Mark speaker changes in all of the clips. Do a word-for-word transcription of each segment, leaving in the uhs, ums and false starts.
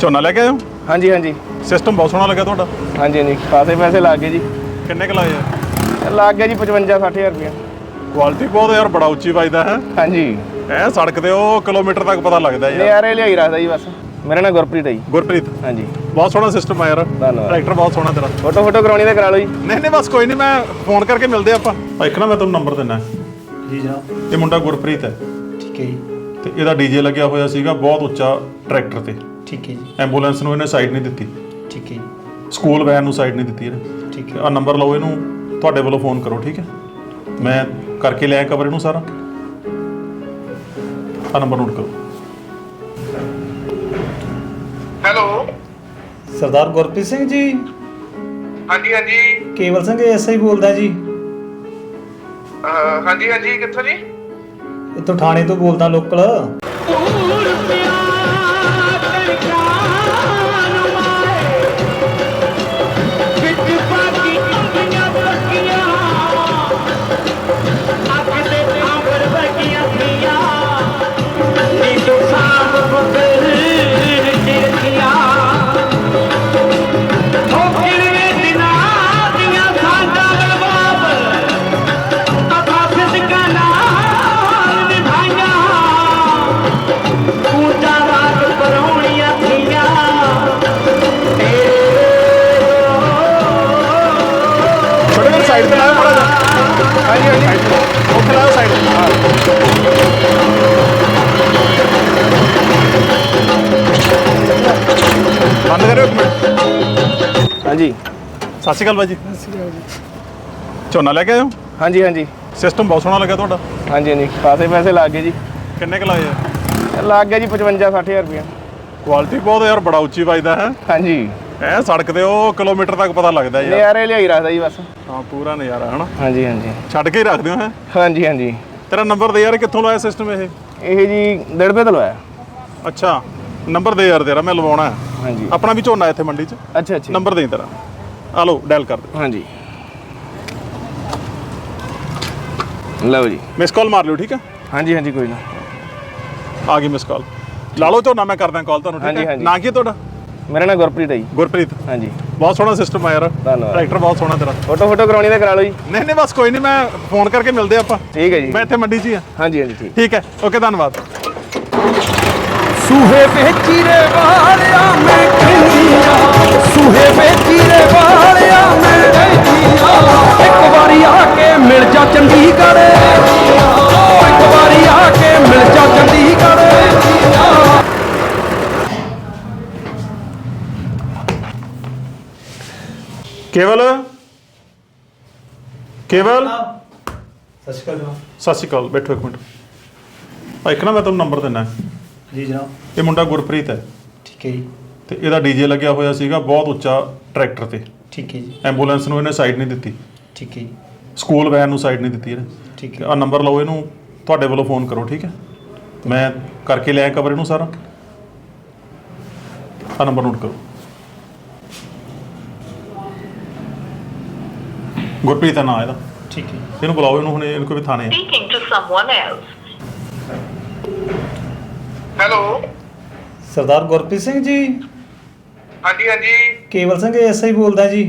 Speaker 1: ਝੋਨਾ ਲੈ ਕੇ ਆਏ ਹੋ?
Speaker 2: ਹਾਂਜੀ ਹਾਂਜੀ
Speaker 1: ਸਿਸਟਮ ਬਹੁਤ ਸੋਹਣਾ ਲੱਗਾ ਤੁਹਾਡਾ।
Speaker 2: ਹਾਂਜੀ ਹਾਂਜੀ ਖਾਸੇ ਪੈਸੇ ਲੱਗ ਗਏ ਜੀ।
Speaker 1: ਕਿੰਨੇ ਕੁ ਲਾਏ ਆ?
Speaker 2: ਲੱਗ ਗਿਆ ਜੀ ਪਚਵੰਜਾ ਸੱਠ ਹਜ਼ਾਰ ਰੁਪਇਆ।
Speaker 1: ਕੁਆਲਿਟੀ ਬਹੁਤ ਯਾਰ, ਬੜਾ ਉੱਚੀ ਵੱਜਦਾ ਹੈ।
Speaker 2: ਹਾਂਜੀ
Speaker 1: ਐ ਸੜਕ ਤੇ ਉਹ ਕਿਲੋਮੀਟਰ ਤੱਕ ਪਤਾ ਲੱਗਦਾ ਯਾਰ।
Speaker 2: ਨਜ਼ਾਰੇ ਲਿਆਈ ਰੱਖਦਾ ਜੀ ਬਸ। ਮੇਰਾ ਨਾਮ ਗੁਰਪ੍ਰੀਤ ਹੈ ਜੀ।
Speaker 1: ਗੁਰਪ੍ਰੀਤ,
Speaker 2: ਹਾਂਜੀ
Speaker 1: ਬਹੁਤ ਸੋਹਣਾ ਸਿਸਟਮ ਆ ਯਾਰ।
Speaker 2: ਧੰਨਵਾਦ।
Speaker 1: ਟਰੈਕਟਰ ਬਹੁਤ ਸੋਹਣਾ ਤੇਰਾ।
Speaker 2: ਫੋਟੋ ਫੋਟੋ ਕਰਾਉਣੀ ਤਾਂ ਕਰਾ ਲਓ ਜੀ।
Speaker 1: ਨਹੀਂ ਨਹੀਂ ਬਸ ਕੋਈ ਨਹੀਂ, ਮੈਂ ਫੋਨ ਕਰਕੇ ਮਿਲਦੇ ਆਪਾਂ। ਇੱਕ ਨਾ ਮੈਂ ਤੁਹਾਨੂੰ ਨੰਬਰ ਦਿੰਦਾ
Speaker 3: ਜੀ ਜਨਾਬ।
Speaker 1: ਇਹ ਮੁੰਡਾ ਗੁਰਪ੍ਰੀਤ ਹੈ
Speaker 3: ਠੀਕ ਹੈ ਜੀ।
Speaker 1: ਤੇ ਇਹਦਾ ਡੀਜੇ ਲੱਗਿਆ ਹੋਇਆ ਸੀਗਾ ਬਹੁਤ ਉੱਚਾ ਟਰੈਕਟਰ ਤੇ।
Speaker 3: ਠੀਕ ਹੈ ਜੀ।
Speaker 1: ਐਂਬੂਲੈਂਸ ਨੂੰ ਇਹਨੇ ਸਾਈਡ ਨਹੀਂ ਦਿੱਤੀ,
Speaker 3: ਠੀਕ ਹੈ ਜੀ।
Speaker 1: ਸਕੂਲ ਵੈਨ ਨੂੰ ਸਾਈਡ ਨਹੀਂ ਦਿੱਤੀ ਇਹਨੇ।
Speaker 3: ਠੀਕ ਹੈ।
Speaker 1: ਆ ਨੰਬਰ ਲਓ, ਇਹਨੂੰ ਤੁਹਾਡੇ ਵੱਲੋਂ ਫੋਨ ਕਰੋ, ਠੀਕ ਹੈ? ਮੈਂ ਕਰਕੇ ਲਿਆ ਕਵਰ ਇਹਨੂੰ ਸਾਰਾ। ਆ ਨੰਬਰ ਨੋਟ ਕਰੋ।
Speaker 4: ਹੈਲੋ
Speaker 3: ਸਰਦਾਰ ਗੁਰਪ੍ਰੀਤ ਸਿੰਘ ਜੀ।
Speaker 4: ਹਾਂਜੀ ਹਾਂਜੀ
Speaker 3: ਕੇਵਲ ਸਿੰਘ ਐਸਆਈ ਬੋਲਦਾ ਜੀ।
Speaker 4: ਅਹ ਹਾਂਜੀ ਹਾਂਜੀ ਕਿੱਥੋਂ ਜੀ?
Speaker 3: ਇੱਥੋਂ ਥਾਣੇ ਤੋਂ ਬੋਲਦਾ, ਲੋਕਲ।
Speaker 1: ਸਾਈਡ ਤੇ ਲਾਓ ਮਾੜਾ ਜਿਹਾ।
Speaker 2: ਹਾਂਜੀ ਹਾਂਜੀ
Speaker 1: ਉੱਥੇ ਲਾਓ ਸਾਈਡ ਤੇ। ਬੰਦ ਕਰਿਓ ਇੱਕ ਮਿੰਟ।
Speaker 2: ਹਾਂਜੀ
Speaker 1: ਸਤਿ ਸ਼੍ਰੀ ਅਕਾਲ ਬਾਈ ਜੀ। ਝੋਨਾ ਲੈ ਕੇ ਆਏ ਹੋ?
Speaker 2: ਹਾਂਜੀ ਹਾਂਜੀ
Speaker 1: ਸਿਸਟਮ ਬਹੁਤ ਸੋਹਣਾ ਲੱਗਾ ਤੁਹਾਡਾ।
Speaker 2: ਹਾਂਜੀ ਹਾਂਜੀ ਖਾਸੇ ਪੈਸੇ ਲੱਗ ਗਏ ਜੀ।
Speaker 1: ਕਿੰਨੇ ਕੁ ਲਾਏ ਆ?
Speaker 2: ਲੱਗ ਗਿਆ ਜੀ ਪਚਵੰਜਾ ਸੱਠ ਹਜ਼ਾਰ ਰੁਪਇਆ।
Speaker 1: ਕੁਆਲਿਟੀ ਬਹੁਤ ਯਾਰ, ਬੜਾ ਉੱਚੀ ਵੱਜਦਾ ਹੈ।
Speaker 2: ਹਾਂਜੀ
Speaker 1: ਐ ਸੜਕ ਤੇ ਉਹ ਕਿਲੋਮੀਟਰ ਤੱਕ ਪਤਾ ਲੱਗਦਾ ਯਾਰ।
Speaker 2: ਨਜ਼ਾਰੇ ਲਿਆਈ ਰੱਖਦਾ ਜੀ ਬਸ।
Speaker 1: ਹਾਂ ਪੂਰਾ ਨਜ਼ਾਰਾ ਹੈ ਨਾ।
Speaker 2: ਹਾਂਜੀ ਹਾਂਜੀ
Speaker 1: ਛੱਡ ਕੇ ਹੀ ਰੱਖਦੇ ਹੋ ਹੈ?
Speaker 2: ਹਾਂਜੀ ਹਾਂਜੀ
Speaker 1: ਤੇਰਾ ਨੰਬਰ ਦੇ ਯਾਰ, ਕਿੱਥੋਂ ਲਾਇਆ ਸਿਸਟਮ ਇਹ?
Speaker 2: ਇਹ ਜੀ ਦੜਬੇ ਤੋਂ ਲਵਾਇਆ।
Speaker 1: ਅੱਛਾ ਨੰਬਰ ਦੇ ਯਾਰ ਤੇਰਾ, ਮੈਂ ਲਵਾਉਣਾ ਹੈ।
Speaker 2: ਹਾਂਜੀ
Speaker 1: ਆਪਣਾ ਵੀ ਝੋਨਾ ਇੱਥੇ ਮੰਡੀ 'ਚ।
Speaker 2: ਅੱਛਾ ਅੱਛਾ
Speaker 1: ਨੰਬਰ ਦੇ ਤੇਰਾ, ਆ ਲਓ ਡਾਇਲ ਕਰ ਦੇ।
Speaker 2: ਹਾਂਜੀ ਲਓ ਜੀ।
Speaker 1: ਮਿਸ ਕਾਲ ਮਾਰ ਲਿਓ, ਠੀਕ ਹੈ?
Speaker 2: ਹਾਂਜੀ ਹਾਂਜੀ ਕੋਈ ਨਾ।
Speaker 1: ਆ ਗਈ ਮਿਸ ਕਾਲ। ਲਾ ਲਓ ਝੋਨਾ, ਮੈਂ ਕਰਦਾ ਕਾਲ ਤੁਹਾਨੂੰ, ਠੀਕ
Speaker 2: ਹਾਂਜੀ,
Speaker 1: ਹੈ?
Speaker 2: ਹਾਂਜੀ।
Speaker 1: ਨਾਂ ਕੀ ਹੈ ਤੁਹਾਡਾ?
Speaker 2: ਮੇਰਾ ਨਾਮ ਗੁਰਪ੍ਰੀਤ ਹੈ ਜੀ।
Speaker 1: ਗੁਰਪ੍ਰੀਤ,
Speaker 2: ਹਾਂਜੀ
Speaker 1: ਬਹੁਤ ਸੋਹਣਾ ਸਿਸਟਮ ਆ ਯਾਰ।
Speaker 2: ਧੰਨਵਾਦ।
Speaker 1: ਟਰੈਕਟਰ ਬਹੁਤ ਸੋਹਣਾ ਤੇਰਾ।
Speaker 2: ਫੋਟੋ ਫੋਟੋ ਕਰਾਉਣੀ ਤਾਂ ਕਰਾ ਲਓ ਜੀ।
Speaker 1: ਨਹੀਂ ਨਹੀਂ ਬਸ ਕੋਈ ਨਹੀਂ, ਮੈਂ ਫੋਨ ਕਰਕੇ ਮਿਲਦੇ ਆਪਾਂ।
Speaker 2: ਠੀਕ ਹੈ ਜੀ।
Speaker 1: ਮੈਂ ਇੱਥੇ ਮੰਡੀ 'ਚ ਹੀ ਆ।
Speaker 2: ਹਾਂਜੀ ਹਾਂਜੀ ਠੀਕ।
Speaker 1: ਠੀਕ ਹੈ, ਓਕੇ, ਧੰਨਵਾਦ।
Speaker 5: ਸੂਹੇ ਵੇਚੀ ਰੇ ਵਾਲਿਆ ਮੈਂ ਕਹਿੰਦੀਆਂ, ਸੂਹੇ ਵੇਚੀ ਰੇ ਵਾਲਿਆ ਮੈਂ ਕਹਿੰਦੀਆਂ, ਇੱਕ ਵਾਰੀ ਆ ਕੇ ਮਿਲ ਜਾ ਚੰਡੀਗੜ੍ਹ, ਓ ਇੱਕ ਵਾਰੀ ਆ ਕੇ ਮਿਲ ਜਾ ਚੰਡੀਗੜ੍ਹ।
Speaker 1: ਕੇਵਲ, ਕੇਵਲ,
Speaker 3: ਸਤਿ ਸ਼੍ਰੀ ਅਕਾਲ ਜਨਾਬ।
Speaker 1: ਸਤਿ ਸ਼੍ਰੀ ਅਕਾਲ। ਬੈਠੋ ਇੱਕ ਮਿੰਟ। ਆ ਇੱਕ ਨਾ ਮੈਂ ਤੁਹਾਨੂੰ ਨੰਬਰ ਦਿੰਦਾ।
Speaker 3: ਜੀ ਜਨਾਬ।
Speaker 1: ਇਹ ਮੁੰਡਾ ਗੁਰਪ੍ਰੀਤ ਹੈ
Speaker 3: ਠੀਕ ਹੈ ਜੀ।
Speaker 1: ਤੇ ਇਹਦਾ ਡੀਜੇ ਲੱਗਿਆ ਹੋਇਆ ਸੀਗਾ ਬਹੁਤ ਉੱਚਾ ਟਰੈਕਟਰ ਤੇ।
Speaker 3: ਠੀਕ ਹੈ ਜੀ।
Speaker 1: ਐਂਬੂਲੈਂਸ ਨੂੰ ਇਹਨੇ ਸਾਈਡ ਨਹੀਂ ਦਿੱਤੀ,
Speaker 3: ਠੀਕ ਹੈ ਜੀ।
Speaker 1: ਸਕੂਲ ਵੈਨ ਨੂੰ ਸਾਈਡ ਨਹੀਂ ਦਿੱਤੀ ਇਹਨੇ।
Speaker 3: ਠੀਕ
Speaker 1: ਆ
Speaker 3: ਹੈ।
Speaker 1: ਨੰਬਰ ਲਓ, ਇਹਨੂੰ ਤੁਹਾਡੇ ਵੱਲੋਂ ਫੋਨ ਕਰੋ, ਠੀਕ ਹੈ? ਮੈਂ ਕਰਕੇ ਲਿਆ ਕਵਰ ਇਹਨੂੰ ਸਾਰਾ। ਆ ਨੰਬਰ ਨੋਟ ਕਰੋ। ਗੁਰਪ੍ਰੀਤ ਦਾ ਨਾਂ ਇਹਦਾ।
Speaker 3: ਠੀਕ ਹੈ।
Speaker 1: ਇਹਨੂੰ ਬੁਲਾਓ, ਇਹਨੂੰ ਹੁਣ ਇਹਨੂੰ ਕੋਈ ਵੀ ਥਾਣੇ ਆ।
Speaker 6: Speaking to someone else.
Speaker 4: Hello
Speaker 3: Sardar Gurpreet Singh ji.
Speaker 4: ਹਾਂਜੀ ਹਾਂਜੀ
Speaker 3: ਕੇਵਲ ਸਿੰਘ ਐਸਆਈ ਬੋਲਦਾ ਜੀ।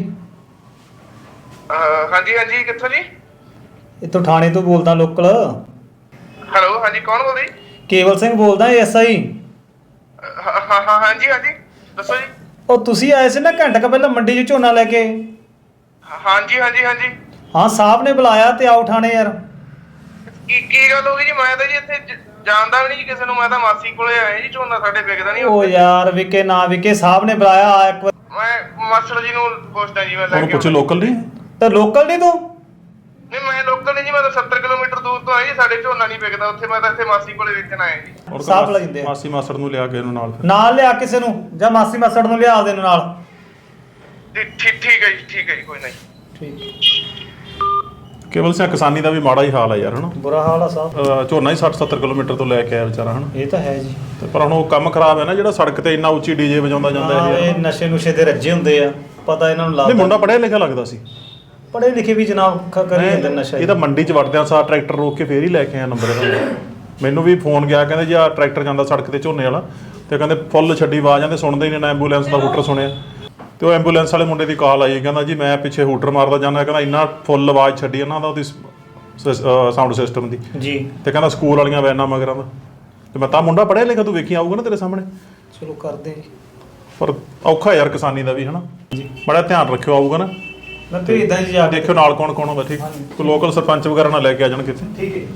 Speaker 4: ਅਹ ਹਾਂਜੀ ਹਾਂਜੀ ਕਿੱਥੋਂ ਜੀ?
Speaker 3: ਇੱਥੋਂ ਥਾਣੇ ਤੋਂ ਬੋਲਦਾ, ਲੋਕਲ।
Speaker 4: ਹੈਲੋ ਹਾਂਜੀ ਕੌਣ ਬੋਲ ਰਹੀ?
Speaker 3: ਕੇਵਲ ਸਿੰਘ ਬੋਲਦਾ, ਐਸਆਈ।
Speaker 4: ਹਾਂ ਹਾਂ ਹਾਂ ਹਾਂਜੀ ਹਾਂਜੀ ਦੱਸੋ ਜੀ।
Speaker 3: ਉਹ ਤੁਸੀਂ ਆਏ ਸੀ ਨਾ ਘੰਟਾ ਕੁ ਪਹਿਲਾਂ ਮੰਡੀ 'ਚ ਝੋਨਾ ਲੈ ਕੇ।
Speaker 4: ਹਾਂਜੀ ਹਾਂਜੀ ਹਾਂਜੀ
Speaker 3: ਹਾਂ ਸਾਹਿਬ ਨੇ ਬੁਲਾਇਆ ਤੇ ਆਓ ਥਾਣੇ ਯਾਰ।
Speaker 4: ਕੀ ਕੀ ਗੱਲ ਹੋ ਗਈ ਜੀ? ਮੈਂ ਤਾਂ ਜੀ ਇੱਥੇ ਜ- ਜਾਣਦਾ ਵੀ ਨਹੀਂ ਜੀ ਕਿਸੇ ਨੂੰ। ਮੈਂ ਤਾਂ ਮਾਸੀ ਕੋਲੇ ਆਇਆ ਜੀ। ਝੋਨਾ ਸਾਡੇ ਵਿਕਦਾ ਨਹੀਂ
Speaker 3: ਉਹ ਯਾਰ ਵਿਕੇ ਨਾ ਵਿਕੇ, ਸਾਹਿਬ ਨੇ ਬੁਲਾਇਆ, ਆ ਇੱਕ ਵਾਰ।
Speaker 4: ਮੈਂ ਮਾਸਟਰ ਜੀ ਨੂੰ ਪੁੱਛਦਾ ਜੀ। ਮੈਂ ਲੈ
Speaker 1: ਉਹਨੂੰ
Speaker 4: ਕੇ
Speaker 1: ਪੁੱਛੇ
Speaker 4: ਆਉਂਦਾ।
Speaker 1: ਲੋਕਲ ਨਹੀਂ?
Speaker 3: ਤੇ ਲੋਕਲ ਨਹੀਂ ਤੂੰ?
Speaker 4: ਨਹੀਂ ਮੈਂ ਲੋਕਲ ਨਹੀਂ ਜੀ। ਮੈਂ ਤਾਂ ਸੱਤਰ ਕਿਲੋਮੀਟਰ ਦੂਰ ਤੋਂ ਆਇਆ ਜੀ। ਸਾਡੇ ਝੋਨਾ ਨਹੀਂ ਵਿਕਦਾ ਉੱਥੇ। ਮੈਂ ਤਾਂ ਇੱਥੇ ਮਾਸੀ ਕੋਲੇ ਵੇਚਣ ਆਇਆ ਜੀ।
Speaker 1: ਔਰ
Speaker 3: ਸਾਹਬ ਲੱਗਦੇ ਆ।
Speaker 1: ਮਾਸੀ ਮਾਸੜ ਨੂੰ ਲਿਆ ਕੇ ਇਹਨੂੰ ਨਾਲ ਫਿਰ।
Speaker 3: ਨਾਲ ਲਿਆ ਕਿਸੇ ਨੂੰ, ਜਾਂ ਮਾਸੀ ਮਾਸੜ ਨੂੰ ਲਿਆ ਦੇ ਨਾਲ।
Speaker 4: ਜੀ ਠੀਕ ਠੀਕ ਹੈ ਜੀ, ਠੀਕ ਹੈ ਜੀ, ਕੋਈ ਨਹੀਂ।
Speaker 3: ਠੀਕ।
Speaker 1: ਕੇਵਲ ਸਿੰਘ ਕਿਸਾਨੀ ਦਾ ਵੀ ਮਾੜਾ ਹੀ ਹਾਲ ਹੈ ਯਾਰ, ਹਨਾ?
Speaker 3: ਬੁਰਾ ਹਾਲ ਆ ਸਾਹਿਬ।
Speaker 1: ਅਹ ਝੋਨਾ ਹੀ ਸੱਠ ਸੱਤਰ ਕਿਲੋਮੀਟਰ ਤੋਂ ਲੈ ਕੇ ਆਇਆ ਵਿਚਾਰਾ, ਹਨਾ?
Speaker 3: ਇਹ ਤਾਂ ਹੈ ਜੀ।
Speaker 1: ਤੇ ਪਰ ਹੁਣ ਉਹ ਕੰਮ ਖਰਾਬ ਹੈ ਨਾ, ਜਿਹੜਾ ਸੜਕ ਤੇ ਇੰਨਾ ਉੱਚੀ ਡੀਜੇ ਵਜਾਉਂਦਾ ਜਾਂਦਾ
Speaker 3: ਹਾਂ,
Speaker 1: ਇਹ
Speaker 3: ਇਹ
Speaker 1: ਯਾਰ।
Speaker 3: ਨਸ਼ੇ ਨੁਸ਼ੇ ਦੇ ਰੱਜੇ ਹੁੰਦੇ ਆ, ਪਤਾ ਇਹਨਾਂ ਨੂੰ
Speaker 1: ਨਹੀਂ
Speaker 3: ਲੱਗਦਾ।
Speaker 1: ਮੁੰਡਾ ਪੜ੍ਹਿਆ ਲਿਖਿਆ ਲੱਗਦਾ ਸੀ।
Speaker 3: ਪੜ੍ਹੇ ਲਿਖੇ ਵੀ ਜਨਾਬ ਖ- ਕਰੀ ਜਾਂਦੇ ਨਸ਼ਾ
Speaker 1: ਇਹ ਤਾਂ ਮੰਡੀ 'ਚ ਵੜਦਿਆਂ ਸਾਰ ਟਰੈਕਟਰ ਰੋਕ ਕੇ ਫੇਰ ਹੀ ਲੈ ਕੇ ਆਇਆ ਨੰਬਰ ਇਹਦਾ। ਮੈਨੂੰ ਵੀ ਫੋਨ ਗਿਆ, ਕਹਿੰਦੇ ਜੀ ਆ ਟਰੈਕਟਰ ਜਾਂਦਾ ਸੜਕ ਤੇ ਝੋਨੇ ਵਾਲਾ, ਤੇ ਕਹਿੰਦੇ ਫੁੱਲ ਛੱਡੀ ਆਵਾਜ਼ ਆਂਦੇ ਸੁਣਦੇ ਹੀ ਨਹੀਂ ਨਾ ਐਂਬੂਲੈਂਸ ਦਾ ਹੂਟਰ ਸੁਣਿਆ। ਤੇ ਉਹ ਐਂਬੂਲੈਂਸ ਵਾਲੇ ਮੁੰਡੇ ਦੀ ਕਾਲ ਆਈ, ਕਹਿੰਦਾ ਜੀ ਮੈਂ ਪਿੱਛੇ ਹੂਟਰ ਮਾਰਦਾ ਜਾਂਦਾ, ਕਹਿੰਦਾ ਇੰਨਾ ਫੁੱਲ ਆਵਾਜ਼ ਛੱਡੀ ਇਹਨਾਂ ਦਾ ਉਹਦੀ ਸਾਊਂਡ ਸਿਸਟਮ ਦੀ
Speaker 3: ਜੀ।
Speaker 1: ਤੇ ਕਹਿੰਦਾ ਸਕੂਲ ਵਾਲੀਆਂ ਵੈਨਾਂ ਮਗਰਾਂ ਦਾ। ਤੇ ਮੈਂ ਤਾਂ ਮੁੰਡਾ ਪੜ੍ਹਿਆ ਲਿਖਿਆ, ਤੂੰ ਵੇਖੀ ਆਊਗਾ ਨਾ ਤੇਰੇ ਸਾਹਮਣੇ।
Speaker 3: ਚਲੋ ਕਰਦੇ ਜੀ।
Speaker 1: ਪਰ ਔਖਾ ਯਾਰ ਕਿਸਾਨੀ ਦਾ ਵੀ ਹਨਾ, ਬੜਾ ਧਿਆਨ ਰੱਖਿਓ ਆਊਗਾ ਨਾ।
Speaker 3: ਮੈਂ ਭੇਜਦਾ ਜੀ ਜਾ ਕੇ।
Speaker 1: ਦੇਖਿਓ ਨਾਲ ਕੌਣ ਕੌਣ ਹੋਗਾ, ਠੀਕ। ਕੋਈ ਲੋਕਲ ਸਰਪੰਚ ਵਗੈਰਾ ਨਾਲ ਲੈ ਕੇ ਆ ਜਾਣ ਕਿਤੇ।
Speaker 3: ਠੀਕ ਹੈ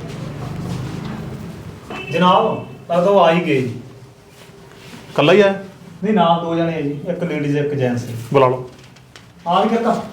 Speaker 3: ਜਨਾਬ, ਲੱਗਦਾ ਉਹ ਆ ਹੀ ਗਏ ਜੀ।
Speaker 1: ਇਕੱਲਾ ਹੀ ਆਇਆ?
Speaker 3: ਨਹੀਂ ਨਾਲ ਦੋ ਜਣੇ ਆ ਜੀ, ਇੱਕ ਲੇਡੀਜ਼ ਇੱਕ ਜੈਂਟਸ।
Speaker 1: ਬੁਲਾ ਲਓ।
Speaker 3: ਆ ਵੀ ਕਰਤਾ।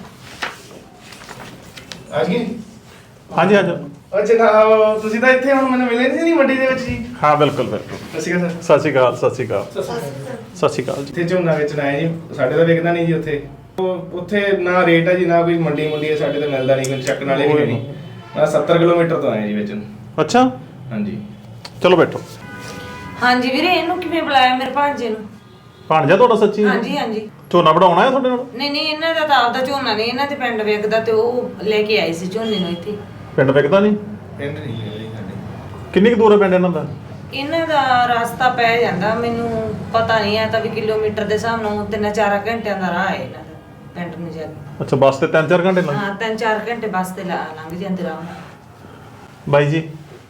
Speaker 2: ਆ ਗਏ
Speaker 1: ਹਾਂਜੀ ਹਾਂਜੀ
Speaker 2: ਅੱਛਾ ਨਾ ਤੁਸੀਂ ਤਾਂ ਇੱਥੇ ਹੁਣ ਮੈਨੂੰ ਮਿਲੇ ਨਹੀਂ ਸੀ ਮੰਡੀ ਦੇ ਵਿੱਚ ਜੀ।
Speaker 1: ਹਾਂ ਬਿਲਕੁਲ ਬਿਲਕੁਲ।
Speaker 2: ਸਤਿ ਸ਼੍ਰੀ ਅਕਾਲ ਸਰ।
Speaker 1: ਸਤਿ ਸ਼੍ਰੀ ਅਕਾਲ ਸਤਿ ਸ਼੍ਰੀ ਅਕਾਲ ਸਤਿ ਸ਼੍ਰੀ ਅਕਾਲ ਜੀ।
Speaker 2: ਇੱਥੇ ਝੋਨਾ ਵੇਚਣਾ ਹੈ ਜੀ, ਸਾਡੇ ਤਾਂ ਵਿਕਦਾ ਨਹੀਂ ਜੀ ਉੱਥੇ। ਉਹ ਉੱਥੇ ਨਾ ਰੇਟ ਹੈ ਜੀ, ਨਾ ਕੋਈ ਮੰਡੀ ਮੁੰਡੀ ਹੈ, ਸਾਡੇ ਤਾਂ ਮਿਲਦਾ ਨਹੀਂ, ਕੋਈ ਚੱਕਣ ਵਾਲੇ ਵੀ ਨਹੀਂ। ਮੈਂ ਸੱਤਰ ਕਿਲੋਮੀਟਰ ਤੋਂ ਆਇਆ ਜੀ ਵੇਚਣ।
Speaker 1: ਅੱਛਾ
Speaker 2: ਹਾਂਜੀ
Speaker 1: ਚਲੋ ਬੈਠੋ।
Speaker 6: ਹਾਂਜੀ ਵੀਰੇ, ਇਹਨੂੰ ਕਿਵੇਂ ਬੁਲਾਇਆ ਮੇਰੇ ਭਾਂਜੇ ਨੂੰ?
Speaker 1: ਭਾਣਜਾ ਤੁਹਾਡਾ ਸੱਚੀ?
Speaker 6: ਹਾਂਜੀ ਹਾਂਜੀ।
Speaker 1: ਝੋਨਾ ਵਢਾਉਣਾ ਹੈ ਤੁਹਾਡੇ ਨਾਲ?
Speaker 6: ਨਹੀਂ ਨਹੀਂ, ਇਹਨਾਂ ਦਾ ਤਾਂ ਆਪਦਾ ਝੋਨਾ ਨਹੀਂ, ਇਹਨਾਂ ਦੇ ਪਿੰਡ ਵਿਕਦਾ ਤੇ ਉਹ ਲੈ ਕੇ ਆਏ ਸੀ ਝੋਨੇ ਨੂੰ ਇੱਥੇ।
Speaker 1: ਪਿੰਡ ਵਿਕਦਾ ਨਹੀਂ?
Speaker 2: ਪਿੰਡ ਨਹੀਂ ਹੈ ਜੀ ਸਾਡੇ।
Speaker 1: ਕਿੰਨੀ ਕੁ ਦੂਰ ਹੈ ਪਿੰਡ ਇਹਨਾਂ ਦਾ?
Speaker 6: ਇਹਨਾਂ ਦਾ ਰਸਤਾ ਪੈ ਜਾਂਦਾ, ਮੈਨੂੰ ਪਤਾ ਨਹੀਂ ਆ ਤਾਂ ਵੀ ਕਿਲੋਮੀਟਰ ਦੇ ਹਿਸਾਬ ਨਾਲ ਤਿੰਨ ਚਾਰ ਘੰਟਿਆਂ ਦਾ ਰਾਹ ਹੈ ਇਹਨਾਂ ਦਾ ਪਿੰਡ ਨੂੰ ਜਾ ਕੇ।
Speaker 1: ਅੱਛਾ ਬੱਸ ਤੇ ਤਿੰਨ ਚਾਰ ਘੰਟੇ ਲੱਗ?
Speaker 6: ਹਾਂ ਤਿੰਨ ਚਾਰ ਘੰਟੇ ਬੱਸ ਤੇ ਲਾ- ਲੰਘ ਜਾਂਦੇ ਰਾਹ।
Speaker 1: ਬਾਈ ਜੀ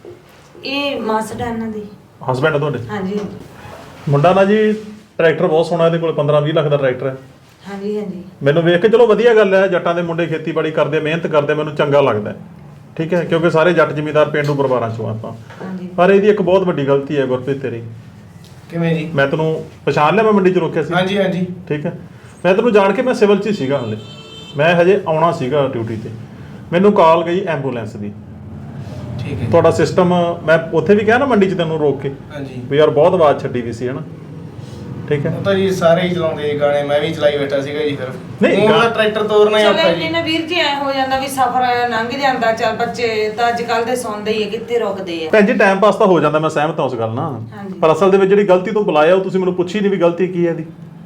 Speaker 6: ਇਹ ਮਾਸਟਰ ਇਹਨਾਂ ਦੀ।
Speaker 1: ਹਸਬੈਂਡ ਤੁਹਾਡੇ?
Speaker 6: ਹਾਂਜੀ
Speaker 1: ਮੁੰਡਾ ਨਾ ਜੀ ਟਰੈਕਟਰ ਬਹੁਤ ਸੋਹਣਾ, ਇਹਦੇ ਕੋਲ ਪੰਦਰਾਂ ਵੀਹ ਲੱਖ ਦਾ ਟਰੈਕਟਰ ਹੈ।
Speaker 6: ਹਾਂਜੀ ਹਾਂਜੀ।
Speaker 1: ਮੈਨੂੰ ਵੇਖ ਕੇ ਚਲੋ ਵਧੀਆ ਗੱਲ ਹੈ, ਜੱਟਾਂ ਦੇ ਮੁੰਡੇ ਖੇਤੀਬਾੜੀ ਕਰਦੇ ਮਿਹਨਤ ਕਰਦੇ, ਮੈਨੂੰ ਚੰਗਾ ਲੱਗਦਾ ਹੈ, ਠੀਕ ਹੈ, ਕਿਉਂਕਿ ਸਾਰੇ ਜੱਟ ਜ਼ਿਮੀਂਦਾਰ ਪੇਂਡੂ ਪਰਿਵਾਰਾਂ ਚੋਂ ਆਪਾਂ।
Speaker 6: ਹਾਂਜੀ।
Speaker 1: ਪਰ ਇਹਦੀ ਇੱਕ ਬਹੁਤ ਵੱਡੀ ਗਲਤੀ ਹੈ ਗੁਰਪ੍ਰੀਤ ਤੇਰੀ।
Speaker 2: ਕਿਵੇਂ ਜੀ?
Speaker 1: ਮੈਂ ਤੈਨੂੰ ਪਛਾਣ ਲਿਆ, ਮੈਂ ਮੰਡੀ 'ਚ ਰੋਕਿਆ ਸੀ।
Speaker 2: ਹਾਂਜੀ ਹਾਂਜੀ।
Speaker 1: ਠੀਕ ਹੈ, ਮੈਂ ਤੈਨੂੰ ਜਾਣ ਕੇ ਮੈਂ ਸਿਵਲ 'ਚ ਹੀ ਸੀਗਾ ਹਲੇ, ਮੈਂ ਹਜੇ ਆਉਣਾ ਸੀਗਾ ਡਿਊਟੀ ਤੇ। ਮੈਨੂੰ ਕਾਲ ਗਈ ਐਂਬੂਲੈਂਸ ਦੀ।
Speaker 2: ਠੀਕ ਹੈ।
Speaker 1: ਤੁਹਾਡਾ ਸਿਸਟਮ ਮੈਂ ਉੱਥੇ ਵੀ ਕਿਹਾ ਨਾ ਮੰਡੀ 'ਚ ਤੈਨੂੰ ਰੋਕ ਕੇ
Speaker 2: ਹਾਂਜੀ।
Speaker 1: ਵੀ ਯਾਰ ਬਹੁਤ ਆਵਾਜ਼ ਛੱਡੀ ਵੀ ਸੀ ਹਨਾ, ਠੀਕ ਹੈ।
Speaker 2: ਉਹ ਤਾਂ ਜੀ ਸਾਰੇ ਹੀ ਚਲਾਉਂਦੇ ਜੀ ਗਾਣੇ, ਮੈਂ ਵੀ ਚਲਾਈ ਬੈਠਾ ਸੀਗਾ ਜੀ। ਫਿਰ
Speaker 1: ਨਹੀਂ,
Speaker 2: ਉਹਦਾ
Speaker 1: ਗਾ-
Speaker 2: ਟਰੈਕਟਰ ਤੋਰਨਾ ਹੀ
Speaker 6: ਚਲੋ
Speaker 2: ਔਖਾ ਜੀ।
Speaker 6: ਇਹਨੇ ਨਾ ਵੀਰ ਜੀ ਐ ਹੋ ਜਾਂਦਾ ਵੀ ਸਫ਼ਰ ਲੰਘ ਜਾਂਦਾ, ਚੱਲ ਬੱਚੇ ਤਾਂ ਅੱਜ ਕੱਲ ਦੇ ਸੌਂਦੇ ਹੀ ਆ, ਕਿੱਥੇ ਰੁਕਦੇ ਆ।
Speaker 1: ਭੈਣ ਜੀ ਟਾਈਮ ਪਾਸ ਤਾਂ ਹੋ ਜਾਂਦਾ, ਮੈਂ ਸਹਿਮਤ ਹਾਂ ਉਸ ਗੱਲ ਨਾਲ,
Speaker 6: ਹਾਂਜੀ।
Speaker 1: ਪਰ ਅਸਲ ਦੇ ਵਿੱਚ ਜਿਹੜੀ ਗਲਤੀ ਤੋਂ ਬੁਲਾਇਆ ਉਹ ਤੁਸੀਂ ਮੈਨੂੰ ਪੁੱਛੀ ਨਹੀਂ ਵੀ ਗਲਤੀ ਕੀ ਹੈ ਇਹਦੀ।